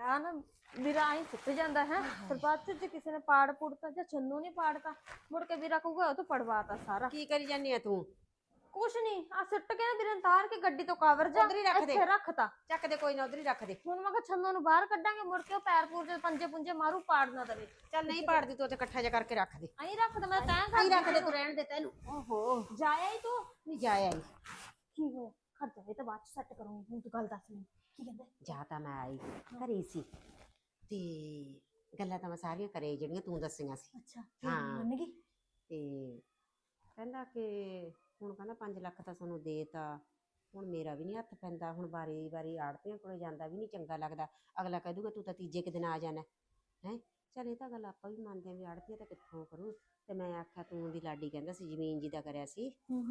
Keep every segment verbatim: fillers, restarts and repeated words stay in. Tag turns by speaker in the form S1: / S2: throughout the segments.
S1: ਆ ਨਾ ਵੀਰਾ ਆਈ ਸੁੱਟ ਜਾਂਦਾ ਹੈ ਫਿਰ ਬਾਅਦ ਚ ਜੇ ਕਿਸੇ ਨੇ ਪਾੜ ਪੁੜਤਾ ਜਾਂ ਚੰਨੂ ਨੇ ਪਾੜਤਾ ਮੁੜ ਕੇ ਵੀਰਾ ਕਹੂਗਾ ਉਹ ਤਾਂ ਪੜਵਾਤਾ ਸਾਰਾ।
S2: ਕੀ ਕਰੀ ਜਾਨੀ ਆ ਤੂੰ?
S1: ਕੁਛ ਨਹੀਂ ਆ ਸਿੱਟ ਕੇ ਨਾ ਵੀਰੇ ਤਾਰ ਕੇ ਗੱਡੀ ਤੋਂ ਕਵਰ ਜਾ
S2: ਉਧਰ ਹੀ ਰੱਖ ਦੇ,
S1: ਇੱਥੇ ਰੱਖਤਾ।
S2: ਚੱਕ ਦੇ, ਕੋਈ ਨਾ ਉਧਰ ਹੀ ਰੱਖ ਦੇ।
S1: ਹੁਣ ਮੈਂ ਕਿਹਾ ਛੰਨੂ ਨੂੰ ਬਾਹਰ ਕੱਢਾਂਗੇ ਮੁੜ ਕੇ ਉਹ ਪੈਰ ਪੂਰ ਦੇ ਪੰਜੇ ਪੁੰਜੇ ਮਾਰੂ ਪਾੜ ਨਾ ਦਵੇ।
S2: ਚੱਲ ਨਹੀਂ ਪਾੜਦੀ ਤੂੰ, ਉੱਥੇ ਇਕੱਠਾ ਜਿਹਾ ਕਰਕੇ ਰੱਖ ਦੇ।
S1: ਅਹੀਂ ਰੱਖਦਾ ਮੈਂ ਤਾਂ
S2: ਨਹੀਂ ਰੱਖ ਦੇ, ਤੂੰ ਰਹਿਣ ਦੇ। ਤੈਨੂੰ
S1: ਓਹੋ ਜਾਇਆ ਹੀ ਤੂੰ
S2: ਨਹੀਂ ਜਾਇਆ ਆਈ।
S1: ਕੀ ਹੋਇਆ? ਖੜ ਜਾਵੇ ਤਾਂ ਬਾਅਦ ਚ ਸੈੱਟ ਕਰੂੰਗੀ। ਹੁਣ ਤੂੰ ਗੱਲ ਦੱਸ ਮੈਨੂੰ ਕੀ ਕਹਿੰਦਾ?
S2: ਜਾ ਤਾਂ ਮੈਂ ਆਈ ਘਰੇ ਸੀ ਤੇ ਗੱਲਾਂ ਤਾਂ ਮੈਂ ਸਾਰੀਆਂ ਕਰੇ ਜਿਹੜੀਆਂ ਤੂੰ ਦੱਸੀਆਂ ਸੀ।
S1: ਅੱਛਾ
S2: ਹਾਂ
S1: ਮੰਨ ਗਈ।
S2: ਤੇ ਕਹਿੰਦਾ ਕਿ ਹੁਣ ਕਹਿੰਦਾ ਪੰਜ ਲੱਖ ਤਾਂ ਤੁਹਾਨੂੰ ਦੇਤਾ, ਹੁਣ ਮੇਰਾ ਵੀ ਨਹੀਂ ਹੱਥ ਪੈਂਦਾ, ਹੁਣ ਵਾਰੀ ਵਾਰੀ ਆੜਤੀਆਂ ਕੋਲੇ ਜਾਂਦਾ ਵੀ ਨਹੀਂ ਚੰਗਾ ਲੱਗਦਾ। ਅਗਲਾ ਕਹਿ ਦੂਗਾ ਤੂੰ ਤਾਂ ਤੀਜੇ ਕੁ ਦਿਨ ਆ ਜਾਣਾ ਹੈ। ਚੱਲ ਇਹ ਤਾਂ ਗੱਲ ਆਪਾਂ ਵੀ ਮੰਨਦੇ ਹਾਂ ਵੀ ਆੜਤੀਆਂ ਤਾਂ ਕਿੱਥੋਂ ਕਰੂ। ਤੇ ਮੈਂ ਆਖਿਆ ਤੂੰ ਦੀ ਲਾਡੀ ਕਹਿੰਦਾ ਸੀ ਜ਼ਮੀਨ ਜੀ ਦਾ ਕਰਿਆ ਸੀ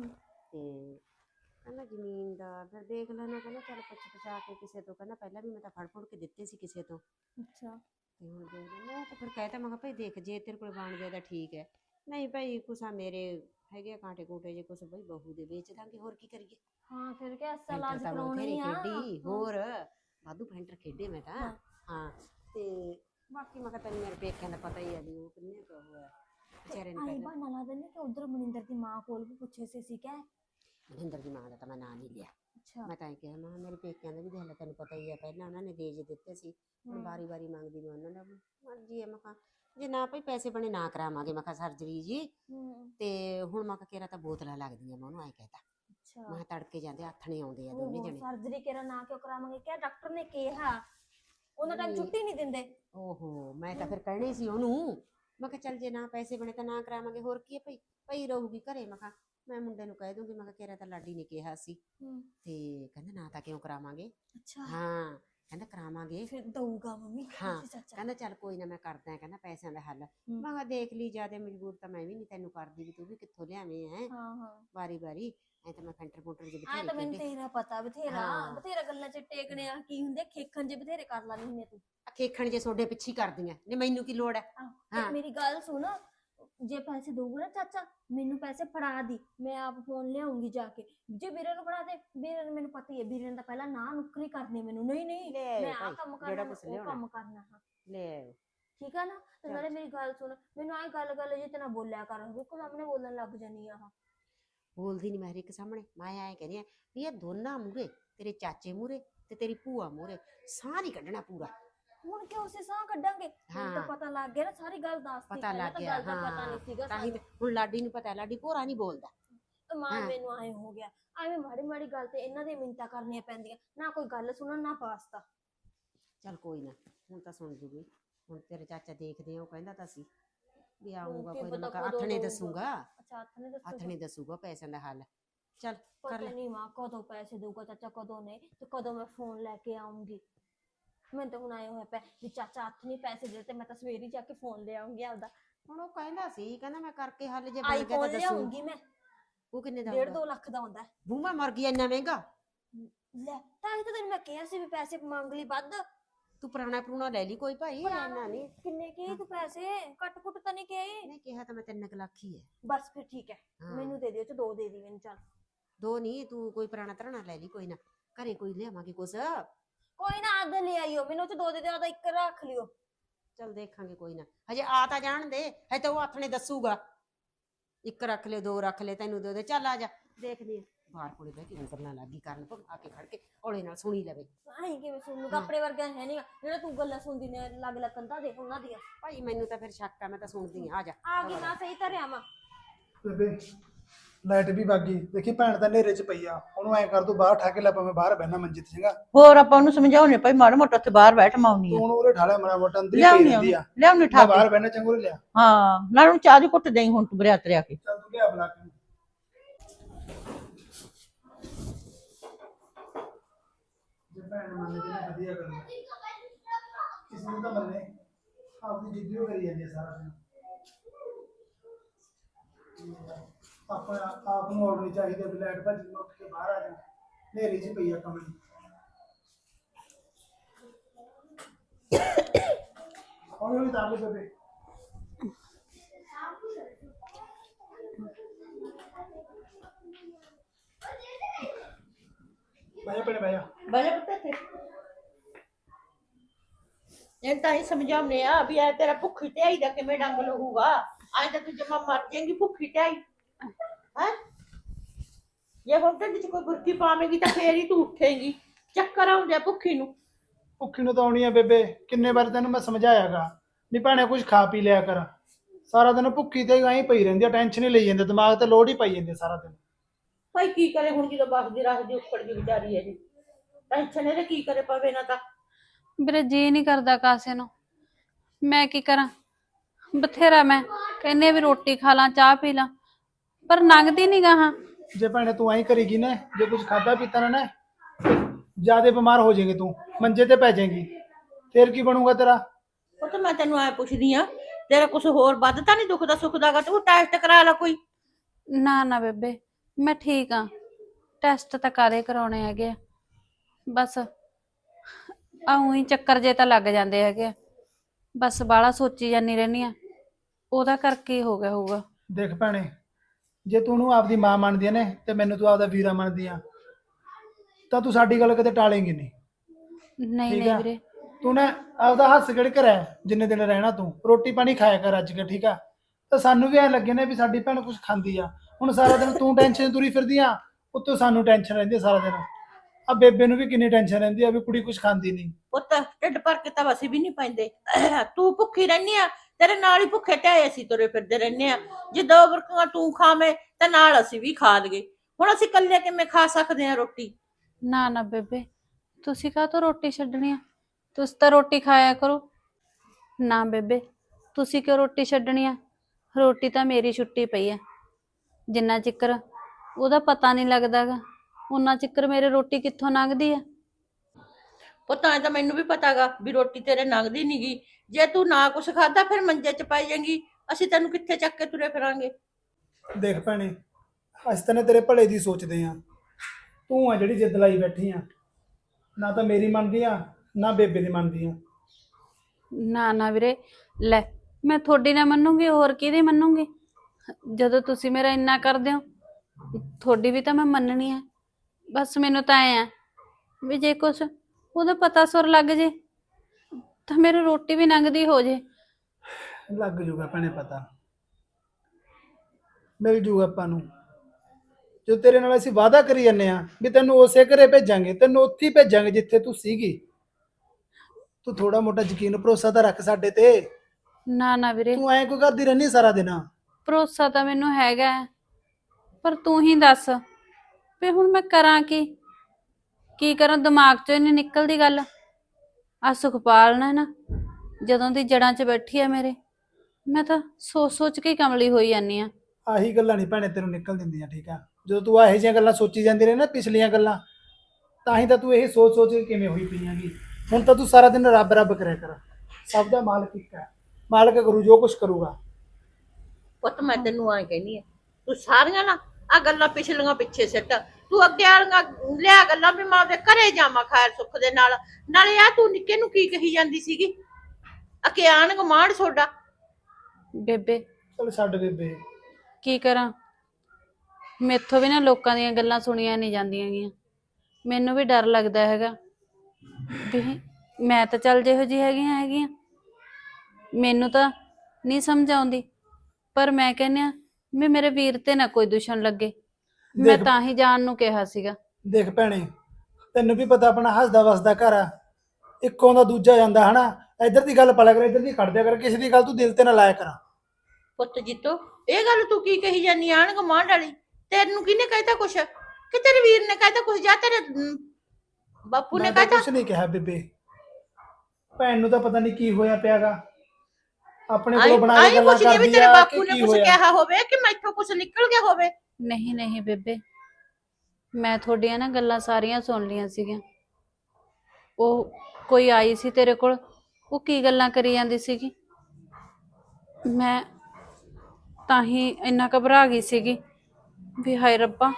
S2: ਤੇ ਕਹਿੰਦਾ ਜ਼ਮੀਨ ਦਾ ਫਿਰ ਦੇਖ ਲੈਣਾ। ਕਹਿੰਦਾ ਚੱਲ ਪੁੱਛ ਪੁਛਾ ਕੇ ਕਿਸੇ ਤੋਂ, ਕਹਿੰਦਾ ਪਹਿਲਾਂ ਵੀ ਮੈਂ ਤਾਂ ਫੜ ਫੜ ਕੇ ਦਿੱਤੇ ਸੀ ਕਿਸੇ ਤੋਂ।
S1: ਅੱਛਾ
S2: ਤੇ ਹੁਣ ਦੇਖ ਲੈ। ਮੈਂ ਤਾਂ ਫਿਰ ਕਹਿਤਾ ਮੈਂ ਕਿਹਾ ਭਾਈ ਦੇਖ ਜੇ ਤੇਰੇ ਕੋਲ ਬਣ ਗਿਆ ਤਾਂ ਠੀਕ ਹੈ, ਨਹੀਂ ਭਾਈ ਕੁਛ ਆ ਮੇਰੇ ਹੈਗੇ ਕਾਂਟੇ ਕੂਟੇ ਜੇ ਕੁਛ ਬਈ ਬਹੂ ਦੇ ਵੇਚ ਦਾਂਗੇ, ਹੋਰ ਕੀ ਕਰੀਏ।
S1: ਹਾਂ ਫਿਰ ਕਿ ਅਸਲ
S2: ਫੈਂਟਰ
S1: ਅੱਜ
S2: ਤਾਂ ਮੈਂ
S1: ਕਰਾਉਣੀ
S2: ਬਥੇਰੇ
S1: ਆ।
S2: ਖੇਡੀ, ਹੋਰ ਵਾਧੂ ਫੈਂਟਰ ਖੇਡੇ ਮੈਂ ਤਾਂ। ਹਾਂ ਤੇ ਬਾਕੀ ਮੈਂ ਕਿਹਾ ਤੈਨੂੰ ਮੇਰੇ ਪੇਕਿਆਂ ਦਾ ਪਤਾ ਹੀ ਆ ਵੀ ਉਹ ਕਿੰਨੇ ਕੁ ਉਹ ਹੈ ਵਿਚਾਰੇ ਨੇ।
S1: ਆਈ ਬਹਾਨਾ ਲਾ ਦਿੰਦੇ ਕਿ ਉਧਰ ਮਨਿੰਦਰ ਦੀ ਮਾਂ ਕੋਲ ਵੀ ਪੁੱਛੇ ਸੀ ਸੀ ਕਹਿ।
S2: ਮਨਿੰਦਰ ਦੀ ਮਾਂ ਦਾ ਤਾਂ ਮੈਂ ਨਾਂ ਨਹੀਂ ਲਿਆ।
S1: ਅੱਛਾ
S2: ਮੈਂ ਤਾਂ ਇਹ ਕਿਹਾ ਮੈਂ ਮੇਰੇ ਪੇਕਿਆਂ ਦਾ ਵੀ ਦੇਖ ਲੈ, ਤੈਨੂੰ ਪਤਾ ਹੀ ਆ ਪਹਿਲਾਂ ਉਹਨਾਂ ਨੇ ਦੇਜ ਦਿੱਤੇ ਸੀ, ਹੁਣ ਵਾਰੀ ਵਾਰੀ ਮੰਗਦੀ ਮੈਂ ਉਹਨਾਂ ਦਾ ਮਰਜ਼ੀ ਹੈ। ਮੈਂ ਕਿਹਾ ਜੇ ਨਾ ਭਾਈ ਪੈਸੇ ਬਣੇ ਨਾ ਕਰਾਵਾਂਗੇ। ਮੈਂ ਕਿਹਾ ਸਰਜਰੀ ਜੀ ਤੇ ਹੁਣ ਮੈਂ ਕਿਹਾ ਕਿਹੜਾ ਤਾਂ ਬੋਤਲਾਂ ਲੱਗਦੀਆਂ, ਮੈਂ ਉਹਨੂੰ ਐਂ ਕਹਿਤਾ।
S1: ਅੱਛਾ
S2: ਮੈਂ ਤੜਕੇ ਜਾਂਦੇ ਹੱਥ ਨਹੀਂ ਆਉਂਦੇ ਆ ਦੋਨੇ ਜਣੇ।
S1: ਸਰਜਰੀ ਕਿਹੜਾ ਨਾ ਕਿਉਂ ਕਰਾਵਾਂਗੇ? ਕਿਹਾ ਡਾਕਟਰ ਨੇ ਕਿਹਾ ਉਹਨਾਂ ਟਾਈਮ ਛੁੱਟੀ ਨਹੀਂ ਦਿੰਦੇ।
S2: ਓਹੋ ਮੈਂ ਤਾਂ ਫਿਰ ਕਹਿਣੀ ਸੀ ਉਹਨੂੰ। ਮੈਂ ਕਿਹਾ ਚੱਲ ਜੇ ਨਾ ਪੈਸੇ ਬਣੇ ਤਾਂ ਨਾ ਕਰਾਵਾਂਗੇ, ਹੋਰ ਕੀ ਹੈ ਭਾਈ ਪਈ ਰਹੂਗੀ ਘਰੇ। ਮੈਂ ਕਿਹਾ ਮੈਂ ਮੁੰਡੇ ਨੂੰ ਕਹਿ ਦੂੰਗੀ। ਮੈਂ ਕਿਹਾ ਕਿਹੜਾ ਤਾਂ ਲਾਡੀ ਨੇ ਕਿਹਾ ਸੀ ਤੇ ਕਹਿੰਦਾ ਨਾ ਤਾਂ ਕਿਉਂ ਕਰਾਵਾਂਗੇ।
S1: ਅੱਛਾ
S2: ਹਾਂ ਕਹਿੰਦਾ ਕਰਾਵਾਂਗੇ
S1: ਫਿਰ ਦਊਗਾ ਮੰਮੀ।
S2: ਹਾਂ ਕਹਿੰਦਾ ਚੱਲ ਕੋਈ ਨਾ ਮੈਂ ਕਰਦਾ, ਕਹਿੰਦਾ ਪੈਸਿਆਂ ਦਾ ਹੱਲ। ਮੈਂ ਕਿਹਾ ਦੇਖ ਲਈ ਜਿਆਦਾ ਮਜਬੂਰ ਤਾਂ ਮੈਂ ਵੀ ਨਹੀਂ ਤੈਨੂੰ ਕਰਦੀ ਵੀ ਤੂੰ ਵੀ ਕਿੱਥੋਂ ਲਿਆਵੇਂ ਹੈ
S1: ਹਾਂ ਹਾਂ
S2: ਵਾਰੀ ਵਾਰੀ। ਐ ਤਾਂ ਮੈਂ ਫੈਂਟਰ ਫੁੰਟਰ ਜਿਹੇ
S1: ਆ ਤਾਂ ਮੈਨੂੰ
S2: ਬਥੇਰੇ
S1: ਤੇਰਾ ਪਤਾ ਬਥੇਰਾ ਬਥੇਰਾ ਗੱਲਾਂ ਚ ਟੇਕਣੇ ਆ ਕੀ ਹੁੰਦੇ ਖੇਖਣ ਜੇ ਬਥੇਰੇ ਕਰ ਲਾਣੀ ਹੁੰਦੇ ਤੂੰ।
S2: ਖੇਖਣ ਜੇ ਸੋਡੇ ਪਿੱਛੇ ਕਰਦੀਆਂ ਨੇ, ਮੈਨੂੰ ਕੀ ਲੋੜ ਹੈ।
S1: ਹਾਂ ਮੇਰੀ ਗੱਲ ਸੁਣ, ਜੇ ਪੈਸੇ ਦਊਗਾ ਨਾ ਚਾਚਾ ਮੈਨੂੰ ਪੈਸੇ ਫੜਾ ਦੀ, ਮੈਂ ਆਪ ਫੋਨ ਲਿਆਉਂਗੀ ਜਾ ਕੇ। ਜੇ ਵੀਰੇ ਨੂੰ ਫੜਾ ਦੇ, ਵੀਰੇ ਨੂੰ ਮੈਨੂੰ ਪਤਾ ਹੀ ਹੈ ਵੀਰੇ ਨੇ ਤਾਂ ਪਹਿਲਾਂ ਨਾ ਨੁੱਕਰੀ ਕਰਨੀ ਮੈਨੂੰ। ਨਹੀਂ ਨਹੀਂ ਮੈਂ ਆਹ ਕੰਮ ਕਰਨਾ ਉਹ ਕੰਮ ਕਰਨਾ। ਹਾਂ
S2: ਲੈ ਆਇਓ
S1: ਠੀਕ ਆ ਨਾ। ਤੇ ਨਾਲੇ ਮੇਰੀ ਗੱਲ ਸੁਣ, ਮੈਨੂੰ ਆਹ ਗੱਲ ਗੱਲ ਜੇ ਤੇ ਨਾ ਬੋਲਿਆ ਕਰ, ਰੁਕ ਸਾਹਮਣੇ ਬੋਲਣ ਲੱਗ ਜਾਨੀ ਆ।
S2: ਬੋਲਦੀ ਨੀ ਮੈਂ ਹਰ ਇੱਕ ਸਾਹਮਣੇ। ਮੈਂ ਐਂ ਕਹਿੰਦੀ ਆ ਵੀ ਇਹ ਦੋਨਾਂ ਮੂਹਰੇ, ਤੇਰੇ ਚਾਚੇ ਮੂਹਰੇ ਤੇ ਤੇਰੀ ਭੂਆ ਮੂਹਰੇ ਸਾਹ ਨਹੀਂ ਕੱਢਣਾ ਪੂਰਾ।
S1: ਹੁਣ ਕਿਉਂ ਅਸੀਂ ਸਾਹ ਕੱਢਾਂਗੇ? ਹੁਣ ਤਾਂ ਪਤਾ ਲੱਗ ਗਿਆ ਨਾ ਸਾਰੀ ਗੱਲ ਦੱਸਦੀ।
S2: ਪਤਾ ਲੱਗ ਗਿਆ
S1: ਗੱਲ ਦਾ ਪਤਾ ਨਹੀਂ ਸੀਗਾ
S2: ਤਾਂ ਹੀ ਹੁਣ ਲਾਡੀ ਨੂੰ ਪਤਾ, ਲਾਡੀ ਭੋਰਾ ਨਹੀਂ ਬੋਲਦਾ।
S1: ਮਾਂ ਮੈਨੂੰ ਆਏ ਹੋ ਗਿਆ ਐਵੇਂ ਮਾੜੀ ਮਾੜੀ ਗੱਲ ਤੇ ਇਹਨਾਂ ਦੀ ਮਿੰਨਤਾਂ ਕਰਨੀਆਂ ਪੈਂਦੀਆਂ, ਨਾ ਕੋਈ ਗੱਲ ਸੁਣਨ ਨਾ ਵਾਸਤਾ।
S2: ਚੱਲ ਕੋਈ ਨਾ ਹੁਣ ਤਾਂ ਸੁਣ ਜੂਗੀ। ਹੁਣ ਤੇਰੇ ਚਾਚਾ ਦੇਖਦੇ ਆ, ਉਹ ਕਹਿੰਦਾ ਤਾਂ ਸੀ ਵੀ ਆਊਗਾ ਕੋਈ ਨਾ। ਮੈਂ ਆਥਣੇ ਦੱਸੂਗਾ।
S1: ਅੱਛਾ ਆਥਣੇ ਦੱਸੂਗਾ।
S2: ਆਥਣੇ ਦੱਸੂਗਾ ਪੈਸਿਆਂ ਦਾ ਹੱਲ। ਚੱਲ
S1: ਪਤਾ ਨਹੀਂ ਮਾਂ ਕਦੋਂ ਪੈਸੇ ਦਊਗਾ ਚਾਚਾ ਕਦੋਂ ਨਹੀਂ, ਤੇ ਕਦੋਂ ਮੈਂ ਫੋਨ ਲੈ ਕੇ ਆਉਂਗੀ। ਮੈਨੂੰ ਤਾਂ ਹੁਣ ਆਏ ਹੋਇਆ ਪਿਆ ਵੀ ਚਾਚਾ ਹੱਥ ਨਹੀਂ ਪੈਸੇ ਦੇ ਤੇ ਮੈਂ ਤਾਂ ਸਵੇਰੇ ਜਾ ਕੇ ਫੋਨ ਲੈ ਆਉਂਗੀ ਆਪਦਾ।
S2: ਹੁਣ ਉਹ ਕਹਿੰਦਾ ਸੀ, ਕਹਿੰਦਾ ਮੈਂ ਕਰਕੇ ਹੱਲ ਜੇ
S1: ਬਣ ਗਿਆ ਤਾਂ ਦੱਸੂਗੀ ਮੈਂ।
S2: ਉਹ ਕਿੰਨੇ ਦਾ?
S1: ਡੇਢ ਦੋ ਲੱਖ ਦਾ ਹੁੰਦਾ।
S2: ਬੂਮਾ ਮਰ ਗਈ ਇੰਨਾ ਮਹਿੰਗਾ।
S1: ਲੈ ਤਾਂ ਹੀ ਤਾਂ ਤੈਨੂੰ ਮੈਂ ਕਿਹਾ ਸੀ ਵੀ ਪੈਸੇ ਮੰਗ ਲਈ ਵੱਧ।
S2: ਤੂੰ ਪੁਰਾਣਾ ਪੁਰਾਣਾ ਲੈ ਲਈ ਕੋਈ ਭਾਈ, ਇੰਨਾ ਨਹੀਂ।
S1: ਕਿੰਨੇ ਕੀ ਤੂੰ ਪੈਸੇ ਕੱਟ ਕੁੱਟ ਤਾਂ ਨਹੀਂ ਕਹੇ?
S2: ਨਹੀਂ ਕਿਹਾ ਤਾਂ ਮੈਂ ਤਿੰਨ ਕੁ ਲੱਖ ਹੀ ਹੈ।
S1: ਬਸ ਫਿਰ ਠੀਕ ਹੈ ਮੈਨੂੰ ਦੇ ਦਿਓ ਚ ਦੋ ਦੇ ਦੀ ਮੈਨੂੰ। ਚੱਲ
S2: ਦੋ ਨਹੀਂ, ਤੂੰ ਕੋਈ ਪੁਰਾਣਾ ਧਰਾਣਾ ਲੈ ਲਈ ਕੋਈ ਨਾ, ਘਰੇ ਕੋਈ ਲਿਆਵਾਂਗੇ ਕੁਛ।
S1: ਕੋਈ ਨਾ ਆਦ ਲੈ ਆਈਓ, ਮੈਨੂੰ ਚ ਦੋ ਦੇ ਦਿਓ ਤਾਂ ਇੱਕ ਰੱਖ ਲਿਓ।
S2: ਚੱਲ ਦੇਖਾਂਗੇ ਕੋਈ ਨਾ, ਹਜੇ ਆ ਤਾਂ ਜਾਣ ਦੇ, ਹੈ ਤਾਂ ਉਹ ਆਥਣੇ ਦੱਸੂਗਾ। ਇੱਕ ਰੱਖ ਲੈ, ਦੋ ਰੱਖ ਲੈ, ਤੈਨੂੰ ਦੇ ਦੇ। ਚੱਲ ਆ ਜਾ ਦੇਖਦੇ ਆ। ਬਾਹਰ ਕੋਲੇ ਬਹਿ ਕੇ ਗੱਲਾਂ ਲੱਗੀ ਕਰਨ, ਆ ਕੇ ਖੜ ਕੇ ਔਲੇ ਨਾਲ ਸੁਣੀ ਲਵੇ।
S1: ਆਹੀਂ ਕਿਵੇਂ ਸੁਣੂਗਾ? ਆਪਣੇ ਵਰਗਾ ਹੈ ਨੀ ਜਿਹੜਾ ਤੂੰ ਗੱਲਾਂ ਸੁਣਦੀ ਨੇ ਲੱਗ ਲੱਗ ਕੰਧਾਂ ਦੇ ਉਹਨਾਂ ਦੀਆਂ।
S2: ਭਾਈ ਮੈਨੂੰ ਤਾਂ ਫਿਰ ਸ਼ੱਕ ਆ, ਮੈਂ ਤਾਂ ਸੁਣਦੀ ਆ। ਆ ਜਾ
S1: ਆ ਗਈ ਨਾ, ਸਹੀ ਧਰਿਆ ਵਾ
S3: ਬੇਬੇ। ਲਾਈਟ ਵੀ ਵਗ ਗਈ, ਦੇਖੀ ਭੈਣ ਤਾਂ ਨੇਰੇ ਚ ਪਈ ਆ। ਉਹਨੂੰ ਐਂ ਕਰ ਤੂੰ ਬਾਹਰ ਠਾ ਕੇ ਲੈ ਪਾ, ਮੈਂ ਬਾਹਰ ਬਹਿਣਾ ਮੰਜੇ ਤੇ ਚੰਗਾ।
S4: ਹੋਰ ਆਪਾਂ ਉਹਨੂੰ ਸਮਝਾਉਣੇ ਭਾਈ ਮਾੜਾ ਮੋਟਾ ਉੱਥੇ ਬਾਹਰ ਬੈਠ ਮਾਉਣੀ ਆ।
S3: ਤੂੰ ਉਹਰੇ ਠਾਲਿਆ ਮਰਾ ਮੋਟਾ ਅੰਦਰ ਹੀ ਪਈ ਰਹਿੰਦੀ ਆ।
S4: ਲਿਆਉਣੀ ਠਾ
S3: ਬਾਹਰ ਬਹਿਣਾ ਚੰਗੋ ਲਿਆ।
S4: ਹਾਂ ਨਾਲ ਉਹਨੂੰ ਚਾਹ ਦੀ ਘੁੱਟ ਦੇਈ ਹੁਣ ਤੂੰ ਬਰਿਆਤ ਰਿਆ ਕੇ।
S3: ਚੱਲ ਤੂੰ ਲਿਆ ਬੁਲਾ ਕੇ। ਜੇ ਭੈਣ ਮੰਨ ਜੇ ਨਾ ਵਧੀਆ ਗੱਲ, ਕਿਸੇ ਨੂੰ ਤਾਂ ਮੰਨੇ। ਆਪਦੀ ਜਿੱਦਿਓ ਕਰੀ ਜਾਂਦੀ ਆ ਸਾਰਾ ਦਿਨ। ਆਪਾਂ ਆਪ ਨੂੰ ਔੜ ਨਹੀਂ ਚਾਹੀਦੀ ਵੀ ਲਾਈਟ ਭੱਜ ਕੇ ਉੱਠ ਕੇ ਬਾਹਰ ਆ ਜਾ। ਨੇਰੇ ਚ ਪਈ ਆ ਕਮਲੀ। ਹੌਲੀ ਹੌਲੀ ਤਾਰ ਲੈ ਬੇਬੇ। ਬਾਇਆ ਪੜੇ ਬਾਇਆ
S4: ਬਾਇਆ ਪੁੱਤ ਇੱਥੇ ਇਹ ਤਾਂ ਹੀ ਸਮਝਾਉਂਦੇ ਆ ਵੀ ਐ ਤੇਰਾ ਭੁੱਖੀ ਢਾਈ ਦਾ ਕਿਵੇਂ ਡੰਗ ਲਹੂਗਾ। ਐ ਤਾਂ ਤੂੰ ਜਮਾ ਮਰ ਜਾਏਂਗੀ ਭੁੱਖੀ ਢਾਈ ਹੈ। ਜੇ ਹੁਣ ਢਿੱਡ ਚ ਕੋਈ ਬੁਰਕੀ ਪਾਵੇਂਗੀ ਤਾਂ ਫੇਰ ਹੀ ਤੂੰ ਉੱਠੇਂਗੀ। ਚੱਕਰ ਆਉਂਦੇ ਆ ਭੁੱਖੀ ਨੂੰ।
S3: ਭੁੱਖੀ ਨੂੰ ਤਾਂ ਆਉਣੀ ਆ ਬੇਬੇ, ਕਿੰਨੇ ਵਾਰ ਤੈਨੂੰ ਮੈਂ ਸਮਝਾਇਆਗਾ ਵੀ ਭੈਣੇ ਕੁਝ ਖਾ ਪੀ ਲਿਆ ਕਰ। ਸਾਰਾ ਦਿਨ ਭੁੱਖੀ ਤੇ ਐਂ ਪਈ ਰਹਿੰਦੀ ਆ, ਟੈਨਸ਼ਨ ਹੀ ਲਈ ਜਾਂਦੇ, ਦਿਮਾਗ ਤੇ ਲੋਡ ਹੀ ਪਾਈ ਜਾਂਦੇ ਸਾਰਾ ਦਿਨ।
S4: ਭਾਈ ਕੀ ਕਰੇ ਹੁਣ ਜਦੋਂ ਬਸਦੀ ਰੱਖਦੀ ਉੱਪਰ ਦੀ ਵਿਚਾਰੀ ਹੈ ਜੀ। ਟੈਨਸ਼ਨ ਇਹਦੇ ਕੀ ਕਰੇ ਪਵੇ ਨਾ ਤਾਂ।
S5: ਵੀਰੇ ਜੀ ਨਹੀਂ ਕਰਦਾ ਕਾਸੇ ਨੂੰ, ਮੈਂ ਕੀ ਕਰਾਂ। ਬਥੇਰਾ ਮੈਂ ਕਹਿੰਨੇ ਵੀ ਰੋਟੀ ਖਾ ਲਾਂ ਚਾਹ ਪੀ ਲਾਂ, ਪਰ ਲੰਘਦੀ ਨਹੀਂ ਗਾਹਾਂ।
S3: ਜੇ ਭੈਣੇ ਤੂੰ ਐਂ ਕਰੇਗੀ ਨਾ, ਜੇ ਕੁਝ ਖਾਦਾ ਪੀਤਾ ਨਾ ਨਾ ਜਿਆਦੇ ਬਿਮਾਰ ਹੋ ਜਾਏਗੀ, ਤੂੰ ਮੰਜੇ ਤੇ ਪੈ ਜਾਏਗੀ, ਫੇਰ ਕੀ ਬਣੂਗਾ ਤੇਰਾ।
S4: ਉਹ ਤਾਂ ਮੈਂ ਤੈਨੂੰ ਐ ਪੁੱਛਦੀ ਆ, ਤੇਰਾ ਕੁਝ ਹੋਰ ਵੱਧ ਤਾਂ ਨਹੀਂ ਦੁਖਦਾ ਸੁਖਦਾਗਾ? ਤੂੰ ਟੈਸਟ ਕਰਾ ਲੈ ਕੋਈ।
S5: ਨਾ ਨਾ ਬੇਬੇ ਮੈਂ ਠੀਕ ਆ, ਟੈਸਟ ਤਾਂ ਕਾਰੇ ਕਰਾਉਣੇ ਹੈਗੇ ਆ, ਬਸ ਆਉਂ ਹੀ ਚੱਕਰ ਜੇ ਤਾਂ ਲੱਗ ਜਾਂਦੇ ਹੈਗੇ ਆ, ਬਸ ਬਾਹਲਾ ਸੋਚੀ ਜਾਂਦੀ ਰਹਿੰਦੀ ਆ, ਉਹਦਾ ਕਰਕੇ ਹੀ ਹੋ ਗਿਆ ਹੋਊਗਾ।
S3: ਦੇਖ ਭੈਣੇ, ਜੇ ਤੂੰ ਉਹਨੂੰ ਆਪਦੀ ਮਾਂ ਮੰਨਦੀ ਆ ਨੇ ਤੇ ਮੈਨੂੰ ਤੂੰ ਆਪਦਾ ਵੀਰਾ ਮੰਨਦੀ ਆ, ਤਾਂ ਤੂੰ ਸਾਡੀ ਗੱਲ ਕਦੇ ਟਾਲੇਂਗੀ ਨਹੀਂ।
S5: ਨਹੀਂ
S3: ਠੀਕ
S5: ਨਹੀਂ
S3: ਆ,
S5: ਵੀਰੇ।
S3: ਤੂੰ ਨਾ ਆਪਦਾ ਹੱਸ ਖੇਡ ਕੇ ਰਹਿ, ਜਿੰਨੇ ਦਿਨ ਰਹਿਣਾ ਤੂੰ ਰੋਟੀ ਪਾਣੀ ਖਾਇਆ ਕਰ ਰੱਜ ਕੇ, ਠੀਕ ਆ। ਤਾਂ ਸਾਨੂੰ ਵੀ ਐ ਲੱਗੇ ਨੇ ਵੀ ਸਾਡੀ ਭੈਣ ਕੁਝ ਖਾਂਦੀ ਆ। ਹੁਣ ਸਾਰਾ ਦਿਨ ਤੂੰ ਟੈਨਸ਼ਨ ਤੁਰੀ ਫਿਰਦੀ ਆ, ਉੱਤੋਂ ਸਾਨੂੰ ਟੈਨਸ਼ਨ ਰਹਿੰਦੀ ਆ ਸਾਰਾ ਦਿਨ। ਆ ਬੇਬੇ ਨੂੰ ਵੀ ਕਿੰਨੀ ਟੈਨਸ਼ਨ ਰਹਿੰਦੀ ਆ ਵੀ ਕੁੜੀ ਕੁਝ ਖਾਂਦੀ ਨਹੀਂ।
S4: ਪੁੱਤ ਢਿੱਡ ਭਰ ਕੇ ਤਾਂ ਅਸੀਂ ਵੀ ਨਹੀਂ ਪੈਂਦੇ। ਤੂੰ ਭੁੱਖੀ ਰਹਿਨੀ ਆ, ਤੇਰੇ ਨਾਲ ਹੀ ਭੁੱਖੇ ਢਾਏ ਅਸੀਂ ਤੁਰੇ ਫਿਰਦੇ ਰਹਿੰਦੇ ਆ। ਜੇ ਦੋ ਬਰਕਾਂ ਤੂੰ ਖਾਵੇਂ ਤਾਂ ਨਾਲ ਅਸੀਂ ਵੀ ਖਾ ਲਈਏ। ਹੁਣ ਅਸੀਂ ਇਕੱਲੇ ਕਿਵੇਂ ਖਾ ਸਕਦੇ ਆ ਰੋਟੀ?
S5: ਨਾ ਨਾ ਬੇਬੇ ਤੁਸੀਂ ਕਾਹਤੋਂ ਰੋਟੀ ਛੱਡਣੀ ਆ, ਤੁਸੀਂ ਤਾਂ ਰੋਟੀ ਖਾਇਆ ਕਰੋ। ਨਾ ਬੇਬੇ ਤੁਸੀਂ ਕਿਉਂ ਰੋਟੀ ਛੱਡਣੀ ਆ, ਰੋਟੀ ਤਾਂ ਮੇਰੀ ਛੁੱਟੀ ਪਈ ਆ। ਜਿੰਨਾ ਚਿਕਰ ਉਹਦਾ ਪਤਾ ਨਹੀਂ ਲੱਗਦਾਗਾ ਉਹਨਾਂ ਚਿਕਰ ਮੇਰੇ ਰੋਟੀ ਕਿੱਥੋਂ ਲੰਘਦੀ ਆ।
S4: ਪੁੱਤ ਐ ਤਾਂ ਮੈਨੂੰ ਵੀ ਪਤਾਗਾ ਵੀ ਰੋਟੀ ਤੇਰੇ ਲੰਘਦੀ ਨੀਗੀ। ਜੇ ਤੂੰ ਨਾ ਕੁਛ ਖਾਦਾ ਫਿਰ ਮੰਜੇ 'ਚ ਪਾਈ ਜਾਏਂਗੀ, ਅਸੀਂ ਤੈਨੂੰ ਕਿੱਥੇ ਚੱਕ ਕੇ ਤੁਰੇ ਫਿਰਾਂਗੇ।
S3: ਦੇਖ ਭੈਣੇ, ਅਸੀਂ ਤਾਂ ਨਾ ਤੇਰੇ ਭਲੇ ਦੀ ਸੋਚਦੇ ਆ, ਤੂੰ ਆ ਜਿਹੜੀ ਜਿੱਦ ਲਾਈ ਬੈਠੀ ਆ। ਨਾ ਤਾਂ ਮੇਰੀ ਮੰਨਦੀ ਆ, ਨਾ ਬੇਬੇ ਦੀ ਮੰਨਦੀ ਆ।
S5: ਨਾ ਨਾ ਵੀਰੇ ਲੈ, ਮੈਂ ਤੁਹਾਡੀ ਨਾ ਮੰਨੂਗੀ ਹੋਰ ਕਿਹਦੀ ਮੰਨੂਗੀ? ਜਦੋਂ ਤੁਸੀਂ ਮੇਰਾ ਇੰਨਾ ਕਰਦੇ ਹੋ ਤੁਹਾਡੀ ਵੀ ਤਾਂ ਮੈਂ ਮੰਨਣੀ ਆ। ਬਸ ਮੈਨੂੰ ਤਾਂ ਐ ਆ ਵੀ ਜੇ ਕੁਛ ਉਹਦਾ ਪਤਾ ਸੁਰ ਲੱਗ ਜੇ ਤਾਂ ਮੇਰੀ ਰੋਟੀ ਵੀ ਲੰਘਦੀ ਹੋ ਜੇ।
S3: ਲੱਗ ਜੂਗਾ ਭੈਣੇ ਪਤਾ, ਮਿਲ ਜੂਗਾ ਆਪਾਂ ਨੂੰ। ਜੋ ਤੇਰੇ ਨਾਲ ਅਸੀਂ ਵਾਅਦਾ ਕਰੀ ਜਾਂਦੇ ਆ ਵੀ ਤੈਨੂੰ ਉਸੇ ਘਰੇ ਭੇਜਾਂਗੇ, ਤੈਨੂੰ ਉੱਥੇ ਹੀ ਭੇਜਾਂਗੇ ਜਿੱਥੇ ਤੂੰ ਸੀਗੀ। ਤੂੰ ਥੋੜਾ ਮੋਟਾ ਯਕੀਨ ਭਰੋਸਾ ਤਾਂ ਰੱਖ ਸਾਡੇ ਤੇ।
S5: ਨਾ ਨਾ ਵੀਰੇ
S3: ਤੂੰ ਐਂ ਕਿਉਂ ਕਰਦੀ ਰਹਿੰਦੀ ਸਾਰਾ ਦਿਨ?
S5: ਭਰੋਸਾ ਤਾਂ ਮੈਨੂੰ ਹੈਗਾ ਹੈ, ਪਰ ਤੂੰ ਹੀ ਦੱਸ ਵੀ ਹੁਣ ਮੈਂ ਕਰਾਂ ਕੀ ਕੀ ਕਰਾਂ, ਦਿਮਾਗ ਚੋਂ ਹੀ ਨਹੀਂ ਨਿਕਲਦੀ ਗੱਲ। ਆ ਸੁਖਪਾਲ ਨੇ ਨਾ ਜਦੋਂ ਦੀ ਜੜ੍ਹਾਂ 'ਚ ਬੈਠੀ ਆ ਮੇਰੇ, ਮੈਂ ਤਾਂ ਸੋਚ ਸੋਚ ਕੇ ਹੀ ਕਮਲੀ ਹੋਈ ਜਾਂਦੀ ਆ।
S3: ਆਹੀ ਗੱਲਾਂ ਨਹੀਂ ਭੈਣੇ ਤੈਨੂੰ ਨਿਕਲ ਦਿੰਦੀਆਂ, ਠੀਕ ਆ। ਜਦੋਂ ਤੂੰ ਇਹੋ ਜਿਹੀਆਂ ਗੱਲਾਂ ਸੋਚੀ ਜਾਂਦੀ ਰਹੀ ਨਾ, ਪਿਛਲੀਆਂ ਗੱਲਾਂ, ਤਾਂ ਹੀ ਤਾਂ ਤੂੰ ਇਹ ਸੋਚ ਸੋਚ ਕੇ ਕਿਵੇਂ ਹੋਈ ਪਈਆਂਗੀ। ਹੁਣ ਤਾਂ ਤੂੰ ਸਾਰਾ ਦਿਨ ਰੱਬ ਰੱਬ ਕਰਿਆ ਕਰ। ਸਭ ਦਾ ਮਾਲਕ ਇੱਕ ਹੈ, ਮਾਲਕ ਕਰੂ ਜੋ ਕੁਝ ਕਰੂਗਾ।
S4: ਪੁੱਤ ਮੈਂ ਤੈਨੂੰ ਐ ਕਹਿੰਦੀ ਆ, ਤੂੰ ਸਾਰੀਆਂ ਨਾ ਆ ਗੱਲਾਂ ਪਿਛਲੀਆਂ ਪਿੱਛੇ ਸਿੱਟ। ਤੂੰ ਅੱਗੇ ਵਾਲੀਆਂ ਲਿਆ ਗੱਲਾਂ ਵੀ ਮੈਂ ਆਪਦੇ ਘਰੇ ਜਾਵਾਂ ਖੈਰ ਸੁੱਖ ਦੇ ਨਾਲ। ਨਾਲੇ ਆ ਤੂੰ ਨਿੱਕੇ ਨੂੰ ਕੀ ਕਹੀ ਜਾਂਦੀ ਸੀਗੀ? ਅਕੇ ਆਣ ਗਮਾਂਢ ਸੋਡਾ।
S5: ਬੇਬੇ
S3: ਚਲ ਛੱਡ ਬੇਬੇ।
S5: ਕੀ ਕਰਾਂ, ਮੈਥੋਂ ਵੀ ਨਾ ਲੋਕਾਂ ਦੀਆਂ ਗੱਲਾਂ ਸੁਣੀਆਂ ਨਹੀਂ ਜਾਂਦੀਆਂ ਗੀਆਂ। ਮੈਨੂੰ ਵੀ ਡਰ ਲੱਗਦਾ ਹੈਗਾ ਵੀ ਮੈਂ ਤਾਂ ਚੱਲ ਜਿਹੋ ਜਿਹੀ ਹੈਗੀਆਂ ਹੈਗੀਆਂ, ਮੈਨੂੰ ਤਾਂ ਨਹੀਂ ਸਮਝ ਆਉਂਦੀ, ਪਰ ਮੈਂ ਕਹਿੰਦੀ ਆ ਵੀ ਮੇਰੇ ਵੀਰ ਤੇ ਨਾ ਕੋਈ ਦੁਸ਼ਮਣ ਲੱਗੇ। ਮੈਂ
S3: ਦੇਖ-
S5: ਤਾਂ ਹੀ ਜਾਣ ਨੂੰ ਕਿਹਾ ਸੀਗਾ।
S3: ਦੇਖ ਭੈਣੇ, ਤੈਨੂੰ ਵੀ ਪਤਾ ਆਪਣਾ ਹੱਸਦਾ ਵਸਦਾ ਘਰ ਆ, ਇੱਕੋਂ ਦਾ ਦੂਜਾ ਜਾਂਦਾ ਹਨਾ। ਇੱਧਰ ਦੀ ਗੱਲ ਪਲਿਆ ਕਰ, ਇੱਧਰ ਦੀ ਖੜ ਦਿਆ ਕਰ, ਕਿਸੇ ਦੀ ਗੱਲ ਤੂੰ ਦਿਲ ਤੇ ਨਾ ਲਾਇਆ ਕਰ।
S4: ਪੁੱਤ ਜੀਤੋ ਇਹ ਗੱਲ ਤੂੰ ਕੀ ਕਹੀ ਜਾਨੀ ਆਣ ਗਮਾਂਢ ਵਾਲੀ? ਤੈਨੂੰ ਕਿਹਨੇ ਕਹਿਤਾ ਕੁਛ? ਕਿ ਤੇਰੇ ਵੀਰ ਨੇ ਕਹਿਤਾ ਕੁਛ ਜਾਂ ਤੇਰੇ ਅਮ, ਬਾਪੂ ਨੇ
S3: ਮੈਂ ਤਾਂ
S4: ਕਹਿਤਾ?
S3: ਕੁਛ ਨਹੀਂ ਕਿਹਾ ਬੇਬੇ, ਭੈਣ ਨੂੰ ਤਾਂ ਪਤਾ ਨਹੀਂ ਕੀ ਹੋਇਆ ਪਿਆਗਾ, ਆਪਣੇ ਕੋਲੋਂ ਬਣਾ ਕੇ
S4: ਆਈ
S3: ਗੱਲਾਂ
S4: ਪੁੱਛਦੀ ਵੀ
S3: ਕਰਦੀ
S4: ਤੇਰੇ
S3: ਆ
S4: ਬਾਪੂ
S3: ਕਿ
S4: ਨੇ
S3: ਕੀ
S4: ਕੁਛ
S3: ਹੋਇਆ।
S4: ਕਿਹਾ ਹੋਵੇ ਕਿ ਮੈਥੋਂ ਕੁਛ ਨਿਕਲ ਗਿਆ ਹੋਵੇ।
S5: ਨਹੀਂ ਨਹੀਂ ਬੇਬੇ, ਮੈਂ ਤੁਹਾਡੀਆਂ ਨਾ ਗੱਲਾਂ ਸਾਰੀਆਂ ਸੁਣ ਲੀਆਂ ਸੀਗੀਆਂ। ਉਹ ਕੋਈ ਆਈ ਸੀ ਤੇਰੇ ਕੋਲ, ਉਹ ਕੀ ਗੱਲਾਂ ਕਰੀ ਜਾਂਦੀ ਸੀਗੀ, ਮੈਂ ਤਾਂ ਹੀ ਇੰਨਾ ਘਬਰਾ ਗਈ ਸੀਗੀ ਵੀ ਹਾਏ ਰੱਬਾ,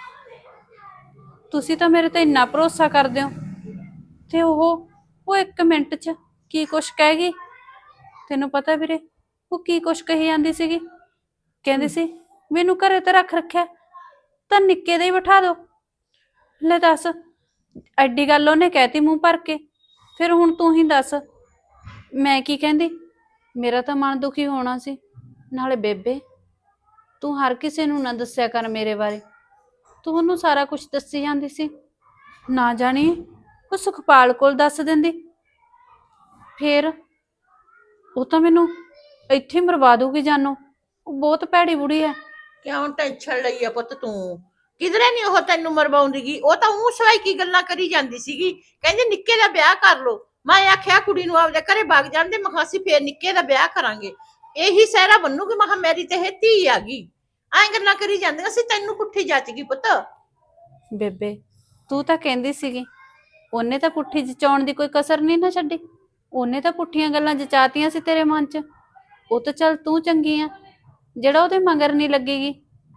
S5: ਤੁਸੀਂ ਤਾਂ ਮੇਰੇ ਤੇ ਇੰਨਾ ਭਰੋਸਾ ਕਰਦੇ ਹੋ ਤੇ ਉਹ ਉਹ ਇੱਕ ਮਿੰਟ 'ਚ ਕੀ ਕੁਛ ਕਹਿ ਗਈ। ਤੈਨੂੰ ਪਤਾ ਵੀਰੇ ਉਹ ਕੀ ਕੁਛ ਕਹੀ ਜਾਂਦੀ ਸੀਗੀ? ਕਹਿੰਦੀ ਸੀ ਮੈਨੂੰ ਘਰੇ ਤੇ ਰੱਖ ਰੱਖਿਆ ਤਾਂ ਨਿੱਕੇ ਦੇ ਹੀ ਬਿਠਾ ਦੋ। ਲੈ ਦੱਸ, ਐਡੀ ਗੱਲ ਉਹਨੇ ਕਹਿਤੀ ਮੂੰਹ ਭਰ ਕੇ, ਫਿਰ ਹੁਣ ਤੂੰ ਹੀ ਦੱਸ ਮੈਂ ਕੀ ਕਹਿੰਦੀ, ਮੇਰਾ ਤਾਂ ਮਨ ਦੁਖੀ ਹੋਣਾ ਸੀ। ਨਾਲੇ ਬੇਬੇ, ਤੂੰ ਹਰ ਕਿਸੇ ਨੂੰ ਨਾ ਦੱਸਿਆ ਕਰ ਮੇਰੇ ਬਾਰੇ। ਤੂੰ ਉਹਨੂੰ ਸਾਰਾ ਕੁਝ ਦੱਸੀ ਜਾਂਦੀ ਸੀ, ਨਾ ਜਾਣੀ ਉਹ ਸੁਖਪਾਲ ਕੋਲ ਦੱਸ ਦਿੰਦੀ, ਫੇਰ ਉਹ ਤਾਂ ਮੈਨੂੰ ਇੱਥੇ ਹੀ ਮਰਵਾ ਦੂਗੀ ਜਾਨੋਂ। ਉਹ ਬਹੁਤ ਭੈੜੀ ਬੁੜੀ ਹੈ।
S4: ਕਿਉਂ ਟੈਨਸ਼ਨ ਲਈ ਆ ਪੁੱਤ ਤੂੰ? ਕਿਧਰੇ ਨਹੀਂ ਉਹ ਤੈਨੂੰ ਮਰਵਾਉਂਦੀਗੀ। ਉਹ ਤਾਂ ਉਹ ਸਵਾਈ ਕੀ ਗੱਲਾਂ ਕਰੀ ਜਾਂਦੀ ਸੀਗੀ, ਕਹਿੰਦੀ ਨਿੱਕੇ ਦਾ ਵਿਆਹ ਕਰ ਲੋ। ਮੈਂ ਆਖਿਆ ਕੁੜੀ ਨੂੰ ਆਪਦੇ ਘਰੇ ਵਗ ਜਾਂਦੇ, ਮੈਂ ਕਿਹਾ ਅਸੀਂ ਫੇਰ ਨਿੱਕੇ ਦਾ ਵਿਆਹ ਕਰਾਂਗੇ, ਇਹੀ ਸਹਿਰਾ ਬੰਨੂਗੀ। ਮੈਂ ਕਿਹਾ ਮੇਰੀ ਤੇ ਇਹ ਧੀ ਆ ਗਈ। ਐਂ ਗੱਲਾਂ ਕਰੀ ਜਾਂਦੀਆਂ ਸੀ, ਤੈਨੂੰ ਪੁੱਠੀ ਜੱਚ ਗਈ ਪੁੱਤ।
S5: ਬੇਬੇ, ਤੂੰ ਤਾਂ ਕਹਿੰਦੀ ਸੀਗੀ ਉਹਨੇ ਤਾਂ ਪੁੱਠੀ ਜਚਾਉਣ ਦੀ ਕੋਈ ਕਸਰ ਨਹੀਂ ਨਾ ਛੱਡੀ। ਉਹਨੇ ਤਾਂ ਪੁੱਠੀਆਂ ਗੱਲਾਂ ਜਚਾਤੀਆਂ ਸੀ ਤੇਰੇ ਮਨ 'ਚ। ਉਹ ਤਾਂ ਚੱਲ ਤੂੰ ਚੰਗੀ ਆ ਜਿਹੜਾ ਉਹਦੇ ਮਗਰ ਨਹੀਂ ਲੱਗੇਗੀ।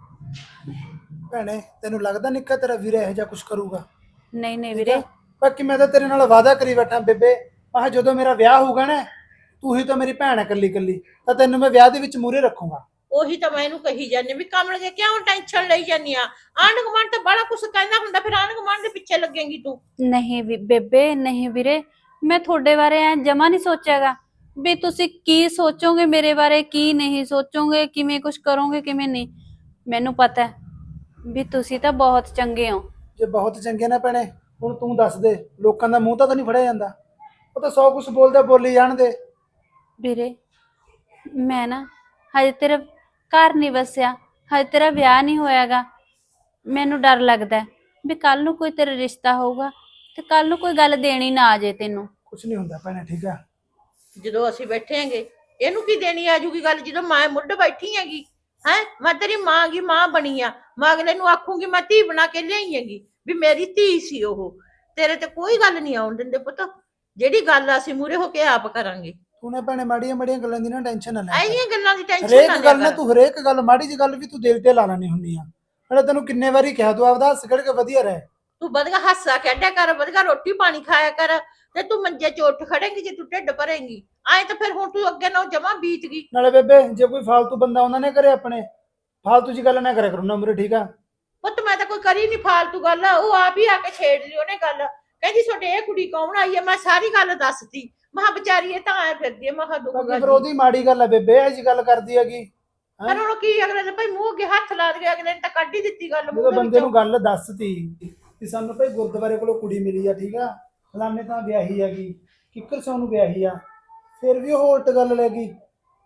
S3: ਭੈਣੇ ਤੈਨੂੰ ਲੱਗਦਾ ਨਿੱਕਾ ਤੇਰਾ ਵੀਰ ਇਹੋ ਜਿਹਾ ਕੁਝ ਕਰੂਗਾ?
S5: ਨਹੀਂ ਨਹੀਂ
S3: ਠੀਕ
S5: ਵੀਰੇ,
S3: ਆ? ਬਾਕੀ ਮੈਂ ਤਾਂ ਤੇਰੇ ਨਾਲ ਵਾਅਦਾ ਕਰੀ ਬੈਠਾ ਬੇਬੇ, ਆਹ ਜਦੋਂ ਮੇਰਾ ਵਿਆਹ ਹੋਊਗਾ ਨਾ, ਤੂੰ ਹੀ ਤਾਂ ਮੇਰੀ ਭੈਣ ਹੈ ਇਕੱਲੀ ਇਕੱਲੀ, ਤਾਂ ਤੈਨੂੰ ਮੈਂ ਵਿਆਹ ਦੇ ਵਿੱਚ ਮੂਹਰੇ ਰੱਖੂੰਗਾ।
S4: ਉਹੀ ਤਾਂ ਮੈਂ ਇਹਨੂੰ ਕਹੀ ਜਾਂਦੀ ਵੀ ਕਮਲ ਕਿਉਂ ਟੈਨਸ਼ਨ ਲਈ ਜਾਂਦੀ ਆ? ਆਂਢ ਗੁਆਂਢ ਤਾਂ ਬੜਾ ਕੁਛ ਕਹਿੰਦਾ ਹੁੰਦਾ, ਫਿਰ ਆਂਢ ਗੁਆਂਢ ਦੇ ਪਿੱਛੇ ਲੱਗੇਂਗੀ ਤੂੰ।
S5: ਨਹੀਂ ਵੀ ਬੇਬੇ, ਨਹੀਂ ਵੀਰੇ, ਮੈਂ ਤੁਹਾਡੇ ਬਾਰੇ ਐ ਜਮਾ ਨਹੀਂ ਸੋਚਿਆਗਾ ਵੀ ਤੁਸੀਂ ਕੀ ਸੋਚੋਗੇ ਮੇਰੇ ਬਾਰੇ, ਕੀ ਨਹੀਂ ਸੋਚੋਗੇ, ਕਿਵੇਂ ਕੁਝ ਕਰੋਗੇ ਕਿਵੇਂ ਨਹੀਂ। ਮੈਨੂੰ ਪਤਾ ਹੈ ਵੀ ਤੁਸੀਂ ਤਾਂ ਬਹੁਤ ਚੰਗੇ ਹੋ।
S3: ਜੇ ਬਹੁਤ ਚੰਗੇ ਨਾ ਭੈਣੇ, ਹੁਣ ਤੂੰ ਦੱਸ ਦੇ, ਲੋਕਾਂ ਦਾ ਮੂੰਹ ਤਾਂ ਨਹੀਂ ਫੜਿਆ ਜਾਂਦਾ? ਉਹ ਤਾਂ ਸੌ ਕੁਛ ਬੋਲਦੇ, ਬੋਲੀ ਜਾਣਦੇ।
S5: ਵੀਰੇ, ਮੈਂ ਨਾ ਹਜੇ ਤੇਰਾ ਘਰ ਨਹੀਂ ਵਸਿਆ, ਹਜੇ ਤੇਰਾ ਵਿਆਹ ਨਹੀਂ ਹੋਇਆਗਾ। ਮੈਨੂੰ ਡਰ ਲੱਗਦਾ ਵੀ ਕੱਲ ਨੂੰ ਕੋਈ ਤੇਰਾ ਰਿਸ਼ਤਾ ਹੋਊਗਾ ਤੇ ਕੱਲ ਨੂੰ ਕੋਈ ਗੱਲ ਦੇਣੀ ਨਾ ਆ ਜੇ ਤੈਨੂੰ।
S3: ਕੁਛ ਨਹੀਂ ਹੁੰਦਾ ਭੈਣੇ, ਠੀਕ ਆ?
S4: ਜਦੋਂ ਅਸੀਂ ਬੈਠੇ ਆਂਗੇ ਇਹਨੂੰ ਕੀ ਦੇਣੀ ਆ ਜੂਗੀ ਗੱਲ, ਜਦੋਂ ਮੈਂ ਮੁੱਢ ਬੈਠੀ ਹੈਗੀ। ਹੈ ਮੈਂ ਤੇਰੀ ਮਾਂ ਗੀ, ਮਾਂ ਬਣੀ ਆ। ਮੈਂ ਅਗਲੇ ਨੂੰ ਆਖੂੰਗੀ ਮੈਂ ਧੀ ਬਣਾ ਕੇ ਲਿਆਈ ਹੈਗੀ, ਵੀ ਮੇਰੀ ਧੀ ਸੀ ਉਹ। ਤੇਰੇ ਤੇ ਕੋਈ ਗੱਲ ਨਹੀਂ ਆਉਣ ਦਿੰਦੇ ਪੁੱਤ, ਜਿਹੜੀ ਗੱਲ ਅਸੀਂ ਮੂਰੇ ਹੋ ਕੇ ਆਪ ਕਰਾਂਗੇ।
S3: ਤੂੰ ਨੇ ਭੈਣੇ ਮਾੜੀਆਂ ਮਾੜੀਆਂ ਗੱਲਾਂ ਦੀ ਨਾ ਟੈਨਸ਼ਨ ਨਾ ਲੈ।
S4: ਐਹੀਆਂ ਗੱਲਾਂ ਦੀ ਟੈਨਸ਼ਨ
S3: ਹਰੇਕ
S4: ਨਾ
S3: ਗੱਲ
S4: ਲਿਆ
S3: ਨਾ
S4: ਕਰ।
S3: ਤੂੰ ਹਰੇਕ ਗੱਲ, ਮਾੜੀ ਜੀ ਗੱਲ ਵੀ ਤੂੰ ਦਿਲ ਤੇ ਲਾ ਲੈਣੀ ਹੁੰਦੀ ਆ। ਮੈਂ ਤੈਨੂੰ ਕਿੰਨੇ ਵਾਰੀ ਕਿਹਾ ਤੂੰ ਆਪਦਾ ਹੱਸ ਖੜ ਕੇ ਵਧੀਆ ਰਹਿ।
S4: ਤੂੰ ਵਧੀਆ ਹਾਸਾ ਖੇਡਿਆ ਕਰ, ਵਧੀਆ ਰੋਟੀ ਪਾਣੀ ਖਾਇਆ ਕਰ, ਤੇ ਤੂੰ ਮੰਜੇ 'ਚ ਉੱਠ ਖੜੇਂਗੀ ਜੇ ਤੂੰ ਢਿੱਡ ਭਰੇਂਗੀ। ਐਂ ਤਾਂ ਫਿਰ ਹੁਣ ਤੂੰ ਅੱਗੇ ਨਾ ਜਮਾ ਬੀਤ ਗਈ।
S3: ਨਾਲੇ ਬੇਬੇ, ਜੇ ਕੋਈ ਫਾਲਤੂ ਬੰਦਾ ਉਹਨਾਂ ਨੇ ਕਰੇ ਆਪਣੇ, ਫਾਲਤੂ ਜੀ ਗੱਲ ਨਾ ਕਰਿਆ ਕਰੋ ਨਾ ਮੇਰੇ, ਠੀਕ ਆ?
S4: ਪੁੱਤ ਮੈਂ ਤਾਂ ਕੋਈ ਕਰੀ ਨਹੀਂ ਫਾਲਤੂ ਗੱਲ, ਉਹ ਆਪ ਹੀ ਆ ਕੇ ਛੇੜ ਲਈ ਉਹਨੇ ਗੱਲ। ਕਹਿੰਦੀ ਤੁਹਾਡੇ ਇਹ ਕੁੜੀ ਕੌਣ ਆਈ ਹੈ? ਮੈਂ ਸਾਰੀ ਗੱਲ ਦੱਸਤੀ। ਮਹਾ ਵਿਚਾਰੀ ਇਹ ਤਾਂ ਆਏ ਫਿਰਦੀ ਹੈ, ਮਹਾ ਦੁੱਖ
S3: ਬਾਕੀ
S4: ਗੱਲ।
S3: ਫਿਰ ਉਹਦੀ ਮਾੜੀ ਗੱਲ ਹੈ ਬੇਬੇ, ਇਹ ਜੀ ਗੱਲ ਕਰਦੀ ਹੈਗੀ।
S4: ਪਰ ਹੁਣ ਕੀ ਅਗਲੇ ਨੇ ਭਾਈ ਮੂੰਹ ਅੱਗੇ ਹੱਥ ਲਾ ਦੇ, ਅਗਲੇ ਨੇ ਤਾਂ ਕੱਢ ਹੀ ਦਿੱਤੀ ਗੱਲ ਮੂੰਹ
S3: ਜਦੋਂ
S4: ਦੇ
S3: ਬੰਦੇ ਨੂੰ
S4: ਵਿੱਚੋਂ।
S3: ਗੱਲ ਦੱਸਤੀ ਕਿ ਸਾਨੂੰ ਭਾਈ ਗੁਰਦੁਆਰੇ ਕੋਲੋਂ ਕੁੜੀ ਮਿਲੀ ਆ, ਠੀਕ ਆ, ਫਲਾਣੇ ਤਾਂ ਵਿਆਹੀ ਹੈਗੀ, ਕਿੱਕਰ ਸੌ ਨੂੰ ਵਿਆਹੀ ਆ, ਫਿਰ ਵੀ ਉਹ ਉਲਟ ਗੱਲ ਲੈ ਗਈ।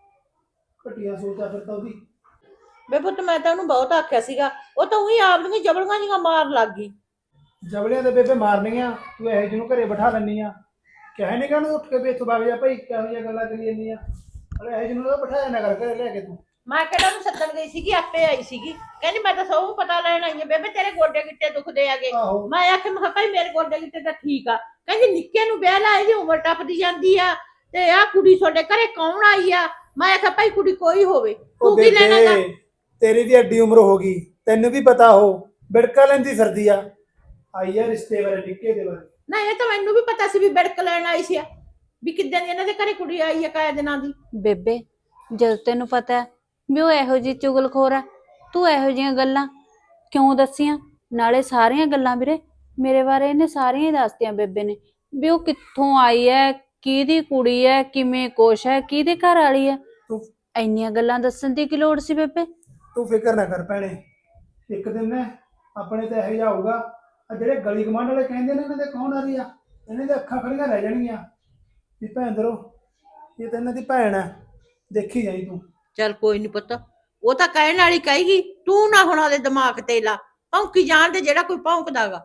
S3: ਘਟੀਆ ਸੋਚਾ ਫਿਰ ਤਾਂ ਉਹਦੀ।
S4: ਬੇ ਪੁੱਤ ਮੈਂ ਤਾਂ ਉਹਨੂੰ ਬਹੁਤ ਆਖਿਆ ਸੀਗਾ, ਉਹ ਤਾਂ ਉਹੀ ਆਪ ਦੀਆਂ ਜਬਲੀਆਂ ਜਿਹੀਆਂ ਮਾਰ ਲੱਗ ਗਈ।
S3: ਜਬਲਿਆਂ ਦੇ ਬੇਬੇ ਮਾਰਨੀਆਂ, ਤੂੰ ਇਹੋ ਜਿਹਨੂੰ ਘਰੇ ਬਿਠਾ ਲੈਂਦੀ ਆ। ਕਹਿ ਨਹੀਂ ਕਹਿਣਾ ਉੱਠ ਕੇ ਵੀ ਇੱਥੋਂ ਵਗ ਜਾ ਭਾਈ, ਕਿਹੋ ਜਿਹੀਆਂ ਗੱਲਾਂ ਕਰੀ ਜਾਂਦੀ ਆ। ਅਰੇ ਇਹੋ ਜਿਹਨੂੰ ਤਾਂ ਬਿਠਾਇਆ ਨਾ ਕਰ ਘਰੇ ਲੈ ਕੇ ਤੂੰ।
S4: ਮੈਂ ਕਿਹੜਾ ਉਹਨੂੰ ਸੱਦਣ ਗਈ ਸੀਗੀ, ਆਪੇ ਆਈ ਸੀਗੀ। ਕਹਿੰਦੀ ਮੈਂ ਤਾਂ ਸਭ ਪਤਾ ਲੈਣ ਆਈ ਆ ਬੇਬੇ, ਤੇਰੇ ਗੋਡੇ ਗਿੱਟੇ ਦੁਖਦੇ ਆਗੇ।
S3: ਆਹੋ।
S4: ਮੈਂ ਆਖਿਆ ਮੈਂ ਕਿਹਾ ਭਾਈ ਮੇਰੇ ਗੋਡੇ ਗਿੱਟੇ ਤਾਂ ਠੀਕ ਆ। ਕਹਿੰਦੀ ਨਿੱਕੇ ਨੂੰ ਵਿਆਹ ਲਾ, ਇਹਦੀ ਉਮਰ ਟੱਪਦੀ ਜਾਂਦੀ ਆ, ਤੇ ਆਹ ਕੁੜੀ ਤੁਹਾਡੇ ਘਰੇ ਕੌਣ ਆਈ ਆ? ਮੈਂ ਆਖਿਆ ਭਾਈ ਕੁੜੀ ਕੋਈ ਹੋਵੇ,
S3: ਉਹ
S4: ਤੂੰ ਕੀ ਲੈਣਾ ਗਾ?
S3: ਬੇਬੇ, ਤੇਰੀ ਵੀ ਐਡੀ ਉਮਰ ਹੋ ਗਈ, ਤੈਨੂੰ ਵੀ ਪਤਾ ਹੋ, ਬਿੜਕਾ ਲੈਂਦੀ ਫਿਰਦੀ ਆ। ਆਈ ਆ ਰਿਸ਼ਤੇ ਬਾਰੇ, ਨਿੱਕੇ ਦੇ ਬਾਰੇ।
S4: ਨਾ ਇਹ ਤਾਂ ਮੈਨੂੰ ਵੀ ਪਤਾ ਸੀ ਵੀ ਬਿੜਕ ਲੈਣ ਆਈ ਸੀ, ਵੀ ਕਿੱਦਾਂ ਦੀ ਇਹਨਾਂ ਦੇ ਘਰੇ ਕੁੜੀ ਆਈ ਆ, ਕਾਇਆ ਦਿਨਾਂ ਦੀ।
S5: ਬੇਬੇ, ਜਦ ਤੈਨੂੰ ਪਤਾ ਹੈ ਵੀ ਉਹ ਇਹੋ ਜਿਹੀ ਚੁਗਲਖੋਰ ਹੈ, ਤੂੰ ਇਹੋ ਜਿਹੀਆਂ ਗੱਲਾਂ ਕਿਉਂ ਦੱਸੀਆਂ? ਨਾਲੇ ਸਾਰੀਆਂ ਗੱਲਾਂ ਵੀਰੇ ਮੇਰੇ ਬਾਰੇ ਇਹਨੇ ਸਾਰੀਆਂ ਹੀ ਦੱਸਤੀਆਂ ਬੇਬੇ ਨੇ, ਵੀ ਉਹ ਕਿੱਥੋਂ ਆਈ ਹੈ, ਕਿਹਦੀ ਕੁੜੀ ਹੈ, ਕਿਵੇਂ ਕੁਛ ਹੈ, ਕਿਹਦੇ ਘਰ ਵਾਲੀ ਹੈ।
S3: ਤੂੰ
S5: ਇੰਨੀਆਂ ਗੱਲਾਂ ਦੱਸਣ ਦੀ ਕੀ ਲੋੜ ਸੀ ਬੇਬੇ?
S3: ਤੂੰ ਫਿਕਰ ਨਾ ਕਰ ਭੈਣੇ, ਇੱਕ ਦਿਨ ਨਾ ਆਪਣੇ ਤੇ ਇਹੋ ਜਿਹਾ ਹੋਊਗਾ, ਆ ਜਿਹੜੇ ਗਲੀ ਕਮਾਂਡ ਵਾਲੇ ਕਹਿੰਦੇ ਨੇ ਇਹਨਾਂ ਦੇ ਕੌਣ ਆ ਰਹੀ ਆ, ਇਹਨਾਂ ਦੇ ਅੱਖਾਂ ਖੜੀਆਂ ਰਹਿ ਜਾਣਗੀਆਂ ਵੀ ਭੈਣ ਦਰੋ ਇਹ ਤਾਂ ਇਹਨਾਂ ਦੀ ਭੈਣ ਆ, ਦੇਖੀ ਜਾਈ ਤੂੰ।
S4: ਚੱਲ ਕੋਈ ਨੀ ਪੁੱਤ, ਉਹ ਤਾਂ ਕਹਿਣ ਵਾਲੀ ਕਹੇਗੀ, ਤੂੰ ਨਾ ਹੁਣ ਉਹਦੇ ਦਿਮਾਗ ਤੇ ਲਾ, ਭੌਂਕੀ ਜਾਣ ਦੇ ਜਿਹੜਾ ਕੋਈ ਭੌਂਕਦਾਗਾ।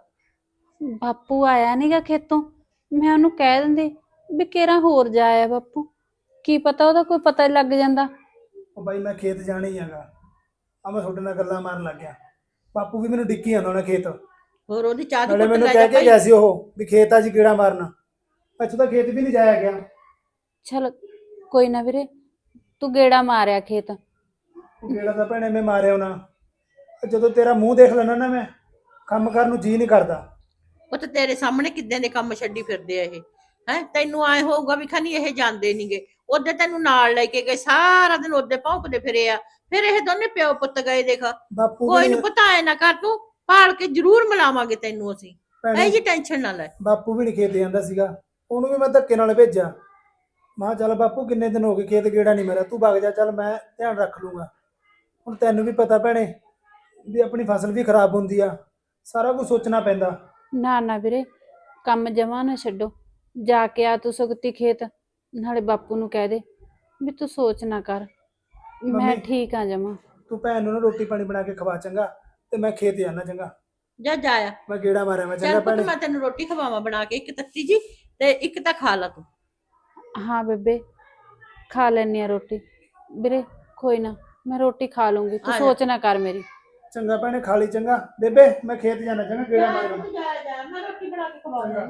S5: ਬਾਪੂ ਆਇਆ ਨਹੀਂਗਾ ਖੇਤੋਂ, ਮੈਂ ਉਹਨੂੰ ਕਹਿ ਦਿੰਦੀ ਵੀ ਕਿਹੜਾ ਹੋਰ ਜਾਇਆ ਬਾਪੂ, ਕੀ ਪਤਾ ਉਹਦਾ ਕੋਈ ਪਤਾ ਲੱਗ ਜਾਂਦਾ।
S3: ਉਹ ਬਾਈ ਮੈਂ ਖੇਤ ਜਾਣਾ ਹੀ ਹੈਗਾ, ਆ ਮੈਂ ਤੁਹਾਡੇ ਨਾਲ ਗੱਲਾਂ ਮਾਰਨ ਲੱਗ ਗਿਆ। ਬਾਪੂ ਵੀ ਮੈਨੂੰ ਡਿੱਕੀ ਜਾਂਦਾ ਉਹਨੇ ਖੇਤ,
S4: ਹੋਰ ਉਹਦੀ ਚਾਹ ਦੀ
S3: ਨਾਲੇ
S4: ਘੁੱਟ
S3: ਮੈਨੂੰ
S4: ਲੈ
S3: ਕਹਿ
S4: ਜਾ
S3: ਕੇ
S4: ਭਾਈ।
S3: ਗਿਆ ਸੀ ਉਹ ਵੀ ਖੇਤ ਆ ਜੀ ਕੀੜਾ ਮਾਰਨਾ, ਇੱਥੋਂ ਤਾਂ ਖੇਤ ਵੀ ਨਹੀਂ ਜਾਇਆ ਗਿਆ।
S5: ਚਲ ਕੋਈ ਨਾ ਵੀਰੇ, ਤੂੰ ਗੇੜਾ ਮਾਰਿਆ ਖੇਤ।
S3: ਉਹ ਕੀੜਾ ਤਾਂ ਭੈਣੇ ਮੈਂ ਮਾਰਿਆ ਉਹਨਾਂ, ਜਦੋਂ ਤੇਰਾ ਮੂੰਹ ਦੇਖ ਲੈਣਾ ਨਾ ਮੈਂ ਕੰਮ ਕਰਨ ਨੂੰ ਜੀ ਨਹੀਂ ਕਰਦਾ।
S4: ਪੁੱਤ ਤੇਰੇ ਸਾਹਮਣੇ ਕਿੱਦਾਂ ਦੇ ਕੰਮ ਛੱਡੀ ਫਿਰਦੇ ਆ ਇਹ, ਹੈ ਤੈਨੂੰ ਆਏ ਹੋਊਗਾ ਵੀ ਖਨੀ ਇਹ ਜਾਂਦੇ ਨਹੀਂਗੇ। ਉਹਦੇ ਤੈਨੂੰ ਨਾਲ ਲੈ ਕੇ ਗਏ, ਸਾਰਾ ਦਿਨ ਉਹਦੇ ਭੌਂਕਦੇ ਫਿਰੇ ਆ, ਫਿਰ ਇਹ ਦੋਨੇ ਪਿਓ ਪੁੱਤ ਗਏ। ਦੇਖ
S3: ਬਾਪੂ
S4: ਕੋਈ
S3: ਵੀ
S4: ਨੀ ਪਤਾ ਐ ਨਾ ਕਰ, ਤੂੰ ਪਾਲ ਕੇ ਜ਼ਰੂਰ ਮਿਲਾਵਾਂਗੇ ਤੈਨੂੰ ਅਸੀਂ,
S3: ਭੈਣੇ,
S4: ਇਹ ਜੀ ਟੈਨਸ਼ਨ ਨਾ ਲੈ।
S3: ਬਾਪੂ ਵੀ ਨਹੀਂ ਖੇਤ ਜਾਂਦਾ ਸੀਗਾ, ਉਹਨੂੰ ਵੀ ਮੈਂ ਧੱਕੇ ਨਾਲ ਭੇਜਿਆ ਮੈਂ ਕਿਹਾ ਚੱਲ ਬਾਪੂ ਕਿੰਨੇ ਦਿਨ ਹੋ ਗਏ ਖੇਤ ਗੇੜਾ ਨਹੀਂ ਮੇਰਾ, ਤੂੰ ਵਗ ਜਾ, ਚੱਲ ਮੈਂ ਧਿਆਨ ਰੱਖ ਲੂੰਗਾ। ਹੁਣ ਤੈਨੂੰ ਵੀ ਪਤਾ ਭੈਣੇ ਵੀ ਆਪਣੀ ਫਸਲ ਵੀ ਖਰਾਬ ਹੁੰਦੀ ਆ, ਸਾਰਾ ਕੁਝ ਸੋਚਣਾ ਪੈਂਦਾ।
S5: ਨਾ ਨਾ ਵੀਰੇ, ਕੰਮ ਜਮਾ ਨਾ ਛੱਡੋ, ਜਾ ਕੇ ਆ ਤੂੰ ਸੁਗਤੀ ਖੇਤ, ਨਾਲੇ ਬਾਪੂ ਨੂੰ ਕਹਿ ਦੇ ਵੀ ਤੂੰ ਸੋਚ ਨਾ ਕਰ, ਮੈਂ
S3: ਮੰਮੀ,
S5: ਠੀਕ ਆ ਜਮਾ।
S3: ਤੂੰ ਭੈਣ ਨੂੰ ਨਾ ਰੋਟੀ ਪਾਣੀ ਬਣਾ ਕੇ ਖਵਾ ਚੰਗਾ, ਤੇ ਮੈਂ ਖੇਤ ਜਾਣਾ ਚੰਗਾ,
S4: ਜਾ ਜਾਇਆ
S3: ਮੈਂ ਗੇੜਾ ਮਾਰਿਆ ਮੈਂ
S4: ਚੱਲ
S3: ਚੰਗਾ
S4: ਪੁੱਤ
S3: ਭੈਣੇ।
S4: ਮੈਂ ਤੈਨੂੰ ਰੋਟੀ ਖਵਾਵਾਂ ਬਣਾ ਕੇ, ਇੱਕ ਤੱਤੀ ਜੀ ਤੇ ਇੱਕ ਤਾਂ ਖਾ ਲਾ ਤੂੰ।
S5: ਹਾਂ ਬੇਬੇ, ਖਾ ਲੈਣੀ ਆ ਰੋਟੀ। ਵੀਰੇ ਕੋਈ ਨਾ, ਮੈਂ ਰੋਟੀ ਖਾ ਲੂੰਗੀ, ਤੂੰ
S4: ਆ ਜਾ।
S5: ਸੋਚ ਨਾ ਕਰ ਮੇਰੀ।
S3: ਚੰਗਾ ਭੈਣੇ, ਖਾ ਲਈ ਚੰਗਾ। ਬੇਬੇ ਮੈਂ ਖੇਤ ਜਾਣਾ ਚੰਗਾ, ਗੇੜਾ ਮਾਰਿਆ ਮੈਂ।
S4: ਜਾ ਜਾ ਮੈਂ ਰੋਟੀ ਬਣਾ ਕੇ ਖਵਾਉਂਦਾ।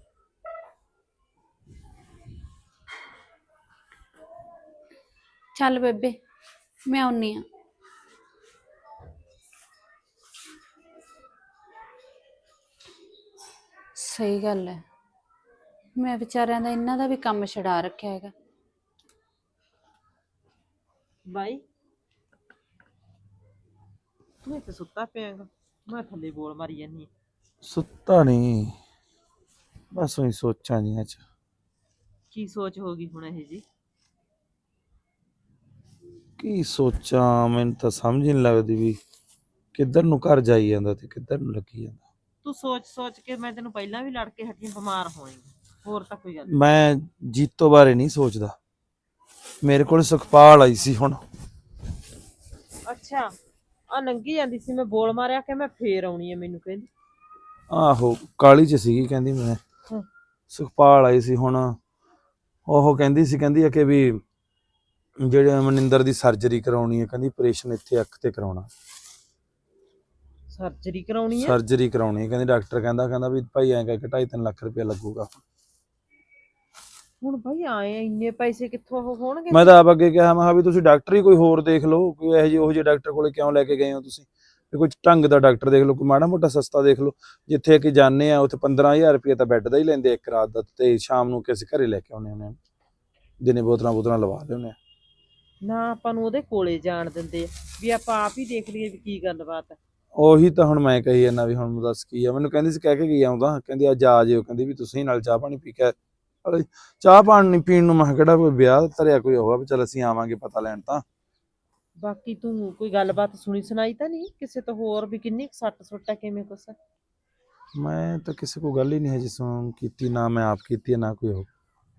S5: ਚੱਲ ਬੇਬੇ, ਮੈਂ ਆਉਣੀ ਆ। ਸਹੀ ਗੱਲ ਹੈ, ਮੈਂ ਵਿਚਾਰਿਆਂ ਦਾ ਇਹਨਾਂ ਦਾ ਵੀ ਕੰਮ ਛਡਾ ਰੱਖਿਆ ਹੈਗਾ।
S6: ਬਾਈ ਤੂੰ ਇੱਥੇ ਸੁੱਤਾ ਪਿਆਗਾ, ਮੈਂ ਥੱਲੇ ਬੋਲ ਮਾਰੀ ਜਾਨੀ।
S7: ਸੁੱਤਾ ਨਹੀਂ, ਬਸ ਉਹੀ ਸੋਚਾਂ ਜੀਆਂ ਚ।
S6: ਕੀ ਸੋਚ ਹੋ ਗਈ ਹੁਣ ਇਹ ਜੀ?
S7: ਕੀ ਸੋਚਾਂ, ਮੈਨੂੰ ਤਾਂ ਸਮਝ ਨਹੀਂ ਲੱਗਦੀ ਵੀ ਕਿੱਧਰ ਨੂੰ ਘਰ ਜਾਈ ਜਾਂਦਾ ਤੇ ਕਿੱਧਰ ਨੂੰ ਲੱਗੀ ਜਾਂਦਾ।
S6: ਤੂੰ ਸੋਚ ਸੋਚ ਕੇ ਮੈਂ ਤੈਨੂੰ ਪਹਿਲਾਂ ਵੀ ਲੜ ਕੇ ਹੱਟੀ, ਬਿਮਾਰ ਹੋਏਂਗੀ, ਹੋਰ ਤਾਂ ਕੋਈ ਗੱਲ ਨੀ।
S7: ਮੈਂ ਜੀਤੋ ਬਾਰੇ ਨਹੀਂ ਸੋਚਦਾ, ਮੇਰੇ ਕੋਲ ਸੁਖਪਾਲ ਆਈ ਸੀ ਹੁਣ।
S6: ਅੱਛਾ, ਆ ਲੰਗੀ ਜਾਂਦੀ ਸੀ, ਮੈਂ ਬੋਲ ਮਾਰਿਆ ਕਿ ਮੈਂ ਫੇਰ ਆਉਣੀ ਹੈ, ਮੈਨੂੰ ਕਹਿੰਦੀ।
S7: ਆਹੋ, ਕਾਲੀ ਚ ਸੀਗੀ, ਕਹਿੰਦੀ ਮੈਂ
S6: ਹਮ।
S7: ਸੁਖਪਾਲ ਆਈ ਸੀ ਹੁਣ। ਉਹ ਕਹਿੰਦੀ ਸੀ, ਕਹਿੰਦੀ ਆ ਕਿ ਵੀ ਜਿਹੜੇ ਮਨਿੰਦਰ ਦੀ ਸਰਜਰੀ ਕਰਾਉਣੀ ਹੈ, ਕਹਿੰਦੀ ਆਪਰੇਸ਼ਨ ਇੱਥੇ ਅੱਖ ਤੇ ਕਰਾਉਣਾ।
S6: ਸਰਜਰੀ ਕਰਾਉਣੀ ਹੈ?
S7: ਸਰਜਰੀ ਕਰਾਉਣੀ ਹੈ, ਕਹਿੰਦੀ ਡਾਕਟਰ ਕਹਿੰਦਾ ਕਹਿੰਦਾ ਵੀ ਭਾਈ ਐਂ ਕਰਕੇ ਢਾਈ ਤਿੰਨ ਲੱਖ ਰੁਪਇਆ ਲੱਗੂਗਾ।
S6: ਹੁਣ ਭਾਈ ਆਏ ਆ, ਇੰਨੇ ਪੈਸੇ ਕਿੱਥੋਂ ਉਹ ਹੋਣਗੇ?
S7: ਮੈਂ ਤਾਂ ਆਪ ਅੱਗੇ ਕਿਹਾ, ਮੈਂ ਕਿਹਾ ਵੀ ਤੁਸੀਂ ਡਾਕਟਰ ਹੀ ਕੋਈ ਹੋਰ ਦੇਖ ਲਓ, ਕੋਈ ਇਹੋ ਜਿਹੇ ਉਹੋ ਜਿਹੇ ਡਾਕਟਰ ਕੋਲੇ ਕਿਉਂ ਲੈ ਕੇ ਗਏ ਹੋ ਤੁਸੀਂ? ਵੀ ਕੋਈ ਢੰਗ ਦਾ ਡਾਕਟਰ ਦੇਖ ਲਓ, ਕੋਈ ਮਾੜਾ ਮੋਟਾ ਸਸਤਾ ਦੇਖ ਲਓ। ਜਿੱਥੇ ਕਿ ਜਾਂਦੇ ਆ ਉੱਥੇ ਪੰਦਰਾਂ ਹਜ਼ਾਰ ਰੁਪਏ ਤਾਂ ਬੈੱਡ ਦਾ ਹੀ ਲੈਂਦੇ ਇੱਕ ਰਾਤ ਦਾ, ਤੇ ਸ਼ਾਮ ਨੂੰ ਕਿਸੇ ਘਰੇ ਲੈ ਕੇ ਆਉਂਦੇ ਹੁੰਦੇ ਆ, ਦਿਨੇ ਬੋਤਲਾਂ ਬੋਤਲਾਂ ਲਵਾ ਲਿਆਉਂਦੇ ਆ।
S6: ਨਾ ਆਪਾਂ ਨੂੰ ਉਹਦੇ ਕੋਲੇ ਜਾਣ ਦਿੰਦੇ ਆ, ਵੀ ਆਪਾਂ ਆਪ ਹੀ ਦੇਖ ਲਈਏ ਵੀ ਕੀ ਗੱਲਬਾਤ ਹੈ।
S7: ਉਹੀ ਤਾਂ ਹੁਣ ਮੈਂ ਕਹੀ ਜਾਂਦਾ ਵੀ ਹੁਣ ਦੱਸ ਕੀ ਆ। ਮੈਨੂੰ ਕਹਿੰਦੀ ਸੀ ਕਹਿ ਕੇ ਗਈ ਆਉਂਦਾ, ਕਹਿੰਦੀ ਅੱਜ ਆ ਜਿਓ, ਕਹਿੰਦੀ ਵੀ ਤੁਸੀਂ ਨਾਲ ਚਾਹ ਪਾਣੀ ਪੀ ਕੇ। ਚਾਹ ਪਾਣੀ ਪੀਣ ਨੂੰ ਮੈਂ ਕਿਹਾ ਕਿਹੜਾ ਕੋਈ ਵਿਆਹ ਧਰਿਆ ਕੋਈ ਹੋਗਾ ਵੀ ਚੱਲ ਅਸੀਂ ਆਵਾਂਗੇ ਪਤਾ ਲੈਣ ਤਾਂ।
S6: ਬਾਕੀ ਤੂੰ ਕੋਈ ਗੱਲਬਾਤ ਸੁਣੀ ਸੁਣਾਈ ਤਾਂ ਨਹੀਂ ਕਿਸੇ ਤੋਂ ਹੋਰ, ਵੀ ਕਿੰਨੀ ਕੁ ਸੱਟ ਸੁੱਟ ਹੈ, ਕਿਵੇਂ ਕੁਛ?
S7: ਮੈਂ ਤਾਂ ਕਿਸੇ ਕੋਲ ਗੱਲ ਹੀ ਨਹੀਂ ਹਜੇ ਸੁਣ ਕੀਤੀ, ਨਾ ਮੈਂ ਆਪ ਕੀਤੀ ਹੈ ਨਾ ਕੋਈ ਹੋ।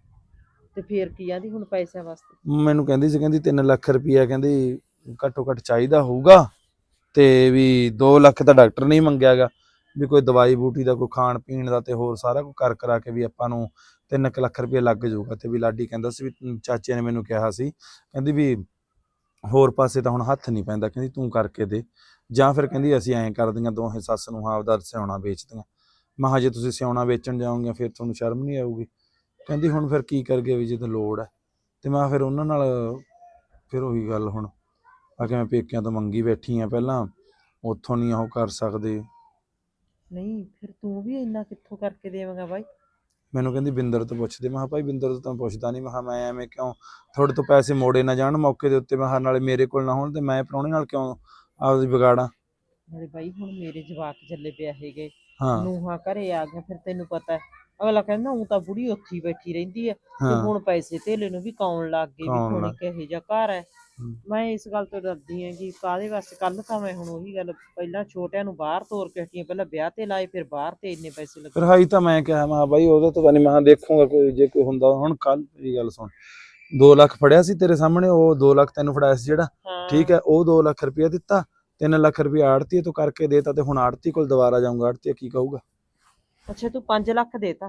S6: ਤੇ ਫੇਰ ਕੀ ਆਂਦੀ ਹੁਣ ਪੈਸਿਆਂ ਵਾਸਤੇ?
S7: ਮੈਨੂੰ ਕਹਿੰਦੀ ਸੀ, ਕਹਿੰਦੀ ਤਿੰਨ ਲੱਖ ਰੁਪਈਆ ਕਹਿੰਦੀ ਘੱਟੋ ਘੱਟ ਚਾਹੀਦਾ ਹੋਊਗਾ, ਤੇ ਵੀ ਦੋ ਲੱਖ ਤਾਂ ਡਾਕਟਰ ਨੇ ਹੀ ਮੰਗਿਆ ਗਾ, ਵੀ ਕੋਈ ਦਵਾਈ ਬੂਟੀ ਦਾ, ਕੋਈ ਖਾਣ ਪੀਣ ਦਾ, ਤੇ ਹੋਰ ਸਾਰਾ ਕੁਝ ਕਰ ਕਰਾ ਕੇ ਵੀ ਆਪਾਂ ਨੂੰ ਤਿੰਨ ਕੁ ਲੱਖ ਰੁਪਈਆ ਲੱਗ ਜਾਊਗਾ। ਤੇ ਵੀ ਲਾਡੀ ਕਹਿੰਦਾ ਸੀ, ਵੀ ਚਾਚੇ ਨੇ ਮੈਨੂੰ ਕਿਹਾ ਸੀ, ਕਹਿੰਦੀ ਵੀ ਹੋਰ ਪਾਸੇ ਤਾਂ ਹੁਣ ਹੱਥ ਨਹੀਂ ਪੈਂਦਾ, ਕਹਿੰਦੀ ਤੂੰ ਕਰਕੇ ਦੇ, ਜਾਂ ਫਿਰ ਕਹਿੰਦੀ ਅਸੀਂ ਐਂ ਕਰਦੀਆਂ ਦੋਹੇ ਸੱਸ ਨੂੰ ਆਪਦਾ ਸਿਉਣਾ ਵੇਚਦੀਆਂ। ਮੈਂ ਕਿਹਾ ਜੇ ਤੁਸੀਂ ਸਿਉਣਾ ਵੇਚਣ ਜਾਓਗੇ ਫਿਰ ਤੁਹਾਨੂੰ ਸ਼ਰਮ ਨਹੀਂ ਆਊਗੀ? ਕਹਿੰਦੀ ਹੁਣ ਫਿਰ ਕੀ ਕਰਗੇ ਵੀ ਜਦੋਂ ਲੋੜ ਹੈ। ਤੇ ਮੈਂ ਫਿਰ ਉਹਨਾਂ ਨਾਲ ਫਿਰ ਉਹੀ ਗੱਲ, ਹੁਣ ਆ ਕੇ ਮੈਂ ਪੇਕਿਆਂ ਤੋਂ ਮੰਗੀ ਬੈਠੀ ਆ, ਪਹਿਲਾਂ ਉੱਥੋਂ ਨਹੀਂ ਉਹ ਕਰ ਸਕਦੇ।
S6: ਨਹੀਂ ਫਿਰ ਤੂੰ ਵੀ ਇੰਨਾ ਕਿੱਥੋਂ ਕਰਕੇ ਦੇਵੇਂਗਾ ਬਾਈ?
S7: ਮੈਨੂੰ ਕਹਿੰਦੀ ਬਿੰਦਰ ਤੋਂ ਪੁੱਛਦੇ। ਮੈਂ ਕਿਹਾ ਭਾਈ ਬਿੰਦਰ ਤੋਂ ਤਾਂ ਪੁੱਛਦਾ ਨਹੀਂ, ਮੈਂ ਕਿਹਾ ਮੈਂ ਐਵੇਂ ਕਿਉਂ ਤੁਹਾਡੇ ਤੋਂ ਪੈਸੇ ਮੋੜੇ ਨਾ ਜਾਣ ਮੌਕੇ ਦੇ ਉੱਤੇ, ਮੈਂ ਕਿਹਾ ਨਾਲੇ ਮੇਰੇ ਕੋਲ ਨਾ ਹੋਣ, ਤੇ ਮੈਂ ਪ੍ਰਾਹੁਣੇ ਨਾਲ ਕਿਉਂ ਆਪਦੀ ਵਿਗਾੜਾਂ?
S6: ਨਾਲੇ ਬਾਈ ਹੁਣ ਮੇਰੇ ਜਵਾਕ ਚੱਲੇ ਪਿਆ ਹੈਗੇ,
S7: ਹਾਂ
S6: ਨੂੰਹਾਂ ਘਰੇ ਆ ਗਿਆ, ਫਿਰ ਤੈਨੂੰ ਪਤਾ ਹੈ ਅਗਲਾ ਕਹਿੰਦਾ ਉਹ ਤਾਂ ਬੁੜੀ ਉੱਥੇ ਹੀ ਬੈਠੀ ਰਹਿੰਦੀ ਹੈ, ਤੇ
S7: ਹਾਂ
S6: ਹੁਣ ਪੈਸੇ ਧੇਲੇ ਨੂੰ ਵੀ ਕਾਉਣ ਲੱਗ ਗਏ, ਵੀ
S7: ਕਾਉਣ
S6: ਹੁਣ
S7: ਲੱਗ
S6: ਕਿਹੋ ਜਿਹਾ ਘਰ ਹੈ।
S7: ਹਮ।
S6: ਮੈਂ ਇਸ ਗੱਲ ਤੋਂ ਡਰਦੀ ਹਾਂ ਕਿ ਕਾਹਦੇ ਵਾਸਤੇ। ਕੱਲ ਤਾਂ ਮੈਂ ਹੁਣ ਉਹੀ ਗੱਲ, ਪਹਿਲਾਂ ਛੋਟਿਆਂ ਨੂੰ ਬਾਹਰ ਤੋਰ ਕੇ ਹਟੀਆਂ, ਪਹਿਲਾਂ ਵਿਆਹ ਤੇ ਲਾਏ, ਫਿਰ ਬਾਹਰ ਤੇ ਇੰਨੇ ਪੈਸੇ ਲੱਗੇ।
S7: ਫਿਰ ਹਾਈ ਤਾਂ ਮੈਂ ਕਿਹਾ, ਮੈਂ ਕਿਹਾ ਬਾਈ ਉਹਦਾ ਤਾਂ ਨਹੀਂ, ਮੈਂ ਕਿਹਾ ਦੇਖੂਗਾ ਕੋਈ ਜੇ ਕੋਈ ਹੁੰਦਾ। ਹੁਣ ਕੱਲ ਇਹ ਗੱਲ ਸੁਣ, ਦੋ ਲੱਖ ਫੜਿਆ ਸੀ ਤੇਰੇ ਸਾਹਮਣੇ, ਉਹ ਦੋ ਲੱਖ ਤੈਨੂੰ ਫੜਾਇਆ ਸੀ ਜਿਹੜਾ,
S6: ਹਾਂ
S7: ਠੀਕ ਹੈ, ਉਹ ਦੋ ਲੱਖ ਰੁਪਇਆ ਦਿੱਤਾ, ਤਿੰਨ ਲੱਖ ਰੁਪਇਆ ਆੜਤੀ ਤੋਂ ਕਰਕੇ ਦੇਤਾ, ਤੇ ਹੁਣ ਆੜਤੀ ਕੋਲ ਦੁਬਾਰਾ ਜਾਊਂਗਾ, ਆੜਤੀ ਕੀ ਕਹੂਗਾ?
S6: ਅੱਛਾ ਤੂੰ ਪੰਜ ਲੱਖ ਦੇਤਾ?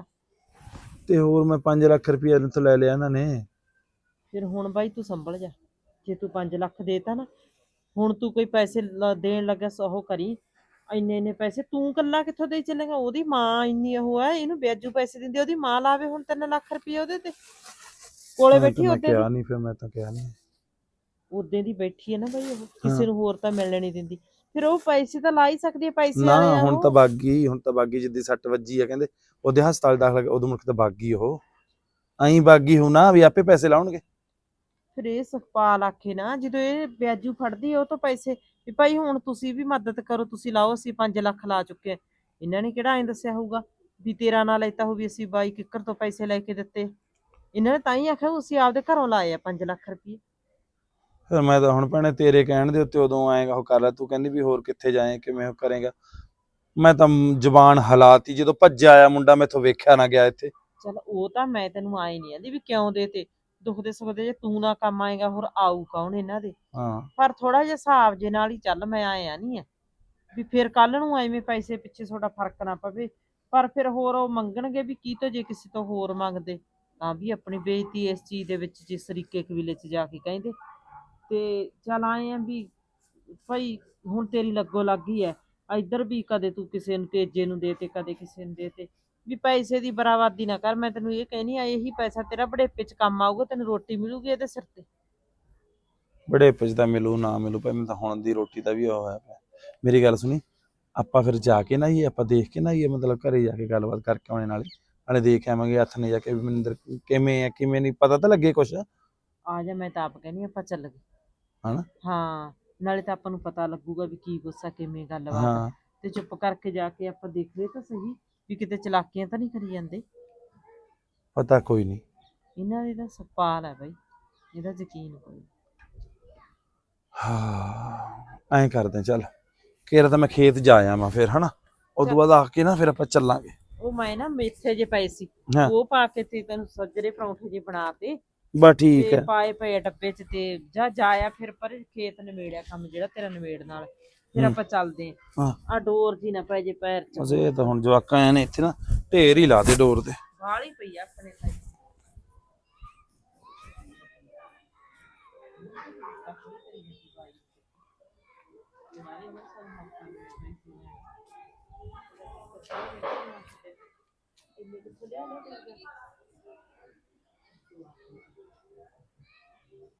S7: ਤੇ ਹੋਰ ਮੈਂ ਪੰਜ ਲੱਖ ਰੁਪਇਆ ਤੋਂ ਲੈ ਲਿਆ ਇਹਨਾਂ ਨੇ।
S6: ਫਿਰ ਹੁਣ ਬਾਈ ਤੂੰ ਸੰਭਲ ਜਾ, ਜੇ ਤੂੰ ਪੰਜ ਲੱਖ ਦੇਤਾ ਨਾ, ਹੁਣ ਤੂੰ ਕੋਈ ਪੈਸੇ ਲ- ਦੇਣ ਲੱਗਾ ਉਹ ਕਰੀ, ਇੰਨੇ ਇੰਨੇ ਪੈਸੇ ਤੂੰ ਕੱਲਾ ਕਿੱਥੋਂ ਦੇ ਚੱਲੇਗਾ? ਉਹਦੀ ਮਾਂ ਇੰਨੀ ਉਹ ਹੈ, ਇਹਨੂੰ ਵਿਆਜੂ ਪੈਸੇ ਦਿੰਦੀ, ਉਹਦੀ ਮਾਂ ਲਾਵੇ ਹੁਣ ਤਿੰਨ ਲੱਖ ਰੁਪਏ ਉਹਦੇ ਤੇ, ਕੋਲੇ
S7: ਮੈਂ
S6: ਬੈਠੀ
S7: ਤਾਂ
S6: ਉਹਦੇ
S7: ਕਿਹਾ ਨਹੀਂ, ਫਿਰ ਮੈਂ ਤਾਂ ਕਿਹਾ ਨਹੀਂ।
S6: ਉਦੋਂ ਦੀ ਬੈਠੀ ਹੈ ਨਾ ਬਾਈ, ਉਹ ਕਿਸੇ ਨੂੰ ਹੋਰ ਤਾਂ ਮਿਲਣ ਨਹੀਂ ਦਿੰਦੀ, ਫਿਰ ਉਹ ਪੈਸੇ ਤਾਂ ਲਾ ਹੀ ਸਕਦੀ ਹੈ, ਪੈਸੇ
S7: ਨਾ
S6: ਵਾਲੇ ਆ
S7: ਹੁਣ
S6: ਉਹ।
S7: ਤਾਂ ਬਾਗੀ, ਹੁਣ ਤਾਂ ਬਾਗੀ ਜਿੱਦੀ ਸੱਟ ਵੱਜੀ ਆ ਕਹਿੰਦੇ ਉਹਦੇ ਹਸਪਤਾਲ ਦਾਖਲ, ਉਦੋਂ ਮੁੜ ਕੇ ਤਾਂ ਬਾਗੀ ਉਹ ਐਂ ਬਾਗੀ ਹੋ ਨਾ ਵੀ ਆਪੇ ਪੈਸੇ ਲਾਉਣਗੇ।
S6: ਫਿਰ ਇਹ ਸੁਖਪਾਲ ਆਖੇ ਨਾ, ਜਦੋਂ ਇਹ ਵਿਆਜੂ ਫੜਦੀ ਆ ਉਹ ਤੋਂ ਪੈਸੇ, ਵੀ ਭਾਈ ਹੁਣ ਤੁਸੀਂ ਵੀ ਮਦਦ ਕਰੋ, ਤੁਸੀਂ ਲਾਓ, ਅਸੀਂ ਪੰਜ ਲੱਖ ਲਾ ਚੁੱਕੇ ਆ। ਇਹਨਾਂ ਨੇ ਕਿਹੜਾ ਐਂ ਦੱਸਿਆ ਹੋਊਗਾ ਵੀ ਤੇਰਾ ਨਾਂ ਲੈਤਾ ਹੋ ਵੀ ਅਸੀਂ ਬਾਈ ਕਿੱਕਰ ਤੋਂ ਪੈਸੇ ਲੈ ਕੇ ਦਿੱਤੇ? ਇਹਨਾਂ ਨੇ ਤਾਂ ਹੀ ਆਖਿਆ ਤੁਸੀਂ ਆਪਦੇ ਘਰੋਂ ਲਾਏ ਆ ਪੰਜ ਲੱਖ ਰੁਪਏ।
S7: ਫਿਰ ਮੈਂ ਤਾਂ ਹੁਣ ਭੈਣੇ ਤੇਰੇ ਕਹਿਣ ਦੇ ਉੱਤੇ ਉਦੋਂ ਆਏਗਾ ਉਹ ਕਰ ਲੈ, ਤੂੰ ਕਹਿੰਦੀ ਵੀ ਹੋਰ ਕਿੱਥੇ ਜਾਏ ਕਿਵੇਂ ਉਹ ਕਰੇਗਾ। ਮੈਂ ਤਾਂ ਜ਼ਬਾਨ ਹਲਾਤੀ ਜਦੋਂ ਭੱਜਿਆ ਆਇਆ ਮੁੰਡਾ, ਮੈਥੋਂ ਵੇਖਿਆ ਨਾ ਗਿਆ ਇੱਥੇ।
S6: ਚਲ ਉਹ ਤਾਂ ਮੈਂ ਤੈਨੂੰ ਆਏ ਨਹੀਂ ਆਂਦੀ ਵੀ ਕਿਉਂ ਦੇ ਤੇ, ਦੁੱਖ ਦੇ ਸੁੱਖ ਦੇ ਜੇ ਤੂੰ ਨਾ ਕੰਮ ਆਏਗਾ ਹੋਰ ਆਊ ਕੌਣ ਇਹਨਾਂ ਦੇ।
S7: ਹਾਂ
S6: ਪਰ ਥੋੜਾ ਜਿਹਾ ਹਿਸਾਬ ਜੇ ਨਾਲ ਹੀ ਚੱਲ, ਮੈਂ ਆਇਆ ਨਹੀਂ ਆ ਵੀ ਫਿਰ ਕੱਲ ਨੂੰ ਐਵੇਂ ਪੈਸੇ ਪਿੱਛੇ ਤੁਹਾਡਾ ਫਰਕ ਨਾ ਪਵੇ। ਪਰ ਫਿਰ ਹੋਰ ਉਹ ਮੰਗਣਗੇ ਵੀ ਕੀ ਤੋਂ, ਜੇ ਕਿਸੇ ਤੋਂ ਹੋਰ ਮੰਗਦੇ ਤਾਂ ਵੀ ਆਪਣੀ ਬੇਇੱਜ਼ਤੀ ਇਸ ਚੀਜ਼ ਦੇ ਵਿੱਚ, ਜਿਸ ਤਰੀਕੇ ਕਬੀਲੇ 'ਚ ਜਾ ਕੇ ਕਹਿੰਦੇ। ਤੇ ਚੱਲ ਆਏ ਆ ਵੀ ਭਾਈ ਹੁਣ ਤੇਰੀ ਲੱਗੋ ਲੱਗ ਹੀ ਐ, ਇੱਧਰ ਵੀ ਕਦੇ ਤੂੰ ਕਿਸੇ ਨੂੰ ਤੇਜੇ ਨੂੰ ਦੇ ਤੇ ਕਦੇ ਕਿਸੇ ਨੂੰ ਦੇ ਤੇ, ਵੀ ਪੈਸੇ ਦੀ ਬਰਾਬਰਦੀ ਨਾ ਕਰ। ਮੈਂ ਤੈਨੂੰ ਇਹ ਕਹਿਨੀ ਆ, ਇਹੀ ਪੈਸਾ ਤੇਰਾ ਬੁਢੇਪੇ 'ਚ ਕੰਮ ਆਊਗਾ, ਤੈਨੂੰ ਰੋਟੀ ਮਿਲੂਗੀ ਇਹਦੇ ਸਿਰ ਤੇ।
S7: ਬੜੇ ਪਿੱਛ ਤਾਂ ਮਿਲੂ ਨਾ ਮਿਲੂ ਭਾਈ, ਮੈਨੂੰ ਤਾਂ ਹੁਣ ਦੀ ਰੋਟੀ ਦਾ ਵੀ ਉਹ ਹੋਇਆ ਪਿਆ। ਮੇਰੀ ਗੱਲ ਸੁਣੀ, ਆਪਾਂ ਫਿਰ ਜਾ ਕੇ ਨਾ ਹੀ ਆਪਾਂ ਦੇਖ ਕੇ ਨਾ ਹੀ ਮਤਲਬ ਘਰੇ ਜਾ ਕੇ ਗੱਲਬਾਤ ਕਰਕੇ ਆਉਣੇ, ਨਾਲੇ ਨਾਲੇ ਦੇਖ ਆਵਾਂਗੇ ਹੱਥ ਨੇ ਜਾ ਕੇ ਵੀ ਮਨਿੰਦਰ ਕਿਵੇਂ ਆ ਕਿਵੇਂ ਨਹੀਂ, ਪਤਾ ਤਾਂ ਲੱਗੇ ਕੁਛ।
S6: ਆ ਜਾ, ਮੈਂ ਤਾਂ ਆਪ ਕਹਿੰਦੀ ਆਪਾਂ ਚੱਲ ਗਏ
S7: ਹਨਾ
S6: ਹਾਂ, ਨਾਲੇ ਤਾਂ ਆਪਾਂ ਨੂੰ ਪਤਾ ਲੱਗੂਗਾ ਵੀ ਕੀ ਗੁੱਸਾ ਕਿਵੇਂ ਗੱਲਬਾਤ ਆ।
S7: ਹਾਂ
S6: ਤੇ ਚੁੱਪ ਕਰਕੇ ਜਾ ਕੇ ਆਪਾਂ ਦੇਖਦੇ ਤਾਂ ਸਹੀ ਵੀ ਕਿਤੇ ਚਲਾਕੀਆਂ ਤਾਂ ਨਹੀਂ ਕਰੀ ਜਾਂਦੇ।
S7: ਪਤਾ ਕੋਈ ਨਹੀਂ।
S6: ਇਹਨਾਂ ਦੀ ਤਾਂ ਸਪਾਲ ਹੈ ਬਾਈ, ਇਹਦਾ ਯਕੀਨ ਕੋਈ।
S7: ਹਾਂ ਐਂ ਕਰਦੇ ਚੱਲ, ਕੇਰਾ ਤਾਂ ਮੈਂ ਖੇਤ ਜਾ ਆਵਾਂ ਫਿਰ ਹਨਾ, ਉਸ ਤੋਂ ਬਾਅਦ ਆ ਕੇ ਨਾ ਫਿਰ ਆਪਾਂ ਚੱਲਾਂਗੇ।
S6: ਉਹ ਮੈਂ ਨਾ ਮੇਥੇ ਜੇ ਪਏ ਸੀ,
S7: ਹਾਂ।
S6: ਉਹ ਪਾ ਕੇ ਤੇ ਤੈਨੂੰ ਸੱਜਰੇ ਪਰੌਂਠੇ ਜੇ ਬਣਾ ਤੇ
S7: ਬਸ ਠੀਕ
S6: ਤੇ
S7: ਹੈ।
S6: ਪਾਏ ਪਏ ਆ ਡੱਬੇ 'ਚ, ਤੇ ਜਾ ਜਾਇਆ ਫਿਰ ਪਰ ਖੇਤ ਨਿਬੇੜਿਆ ਕੰਮ ਜਿਹੜਾ ਤੇਰਾ ਨਿਬੇੜ ਨਾਲ, ਫਿਰ
S7: ਹੂੰ।
S6: ਆਪਾਂ ਚੱਲਦੇ
S7: ਹਾਂ।
S6: ਆ। ਡੋਰ ਜੀ ਨਾ ਪੈ ਜੇ ਪੈਰ 'ਚ,
S7: ਬਸ ਇਹ ਤਾਂ ਹੁਣ ਜਵਾਕਾਂ ਆਏ ਨੇ ਇੱਥੇ ਨਾ ਢੇਰ ਹੀ ਲਾ ਦੇ ਡੋਰ ਤੇ।
S6: ਬਾਹਲੀ ਪਈ ਆ ਆਪਣੇ ਤਾਂ।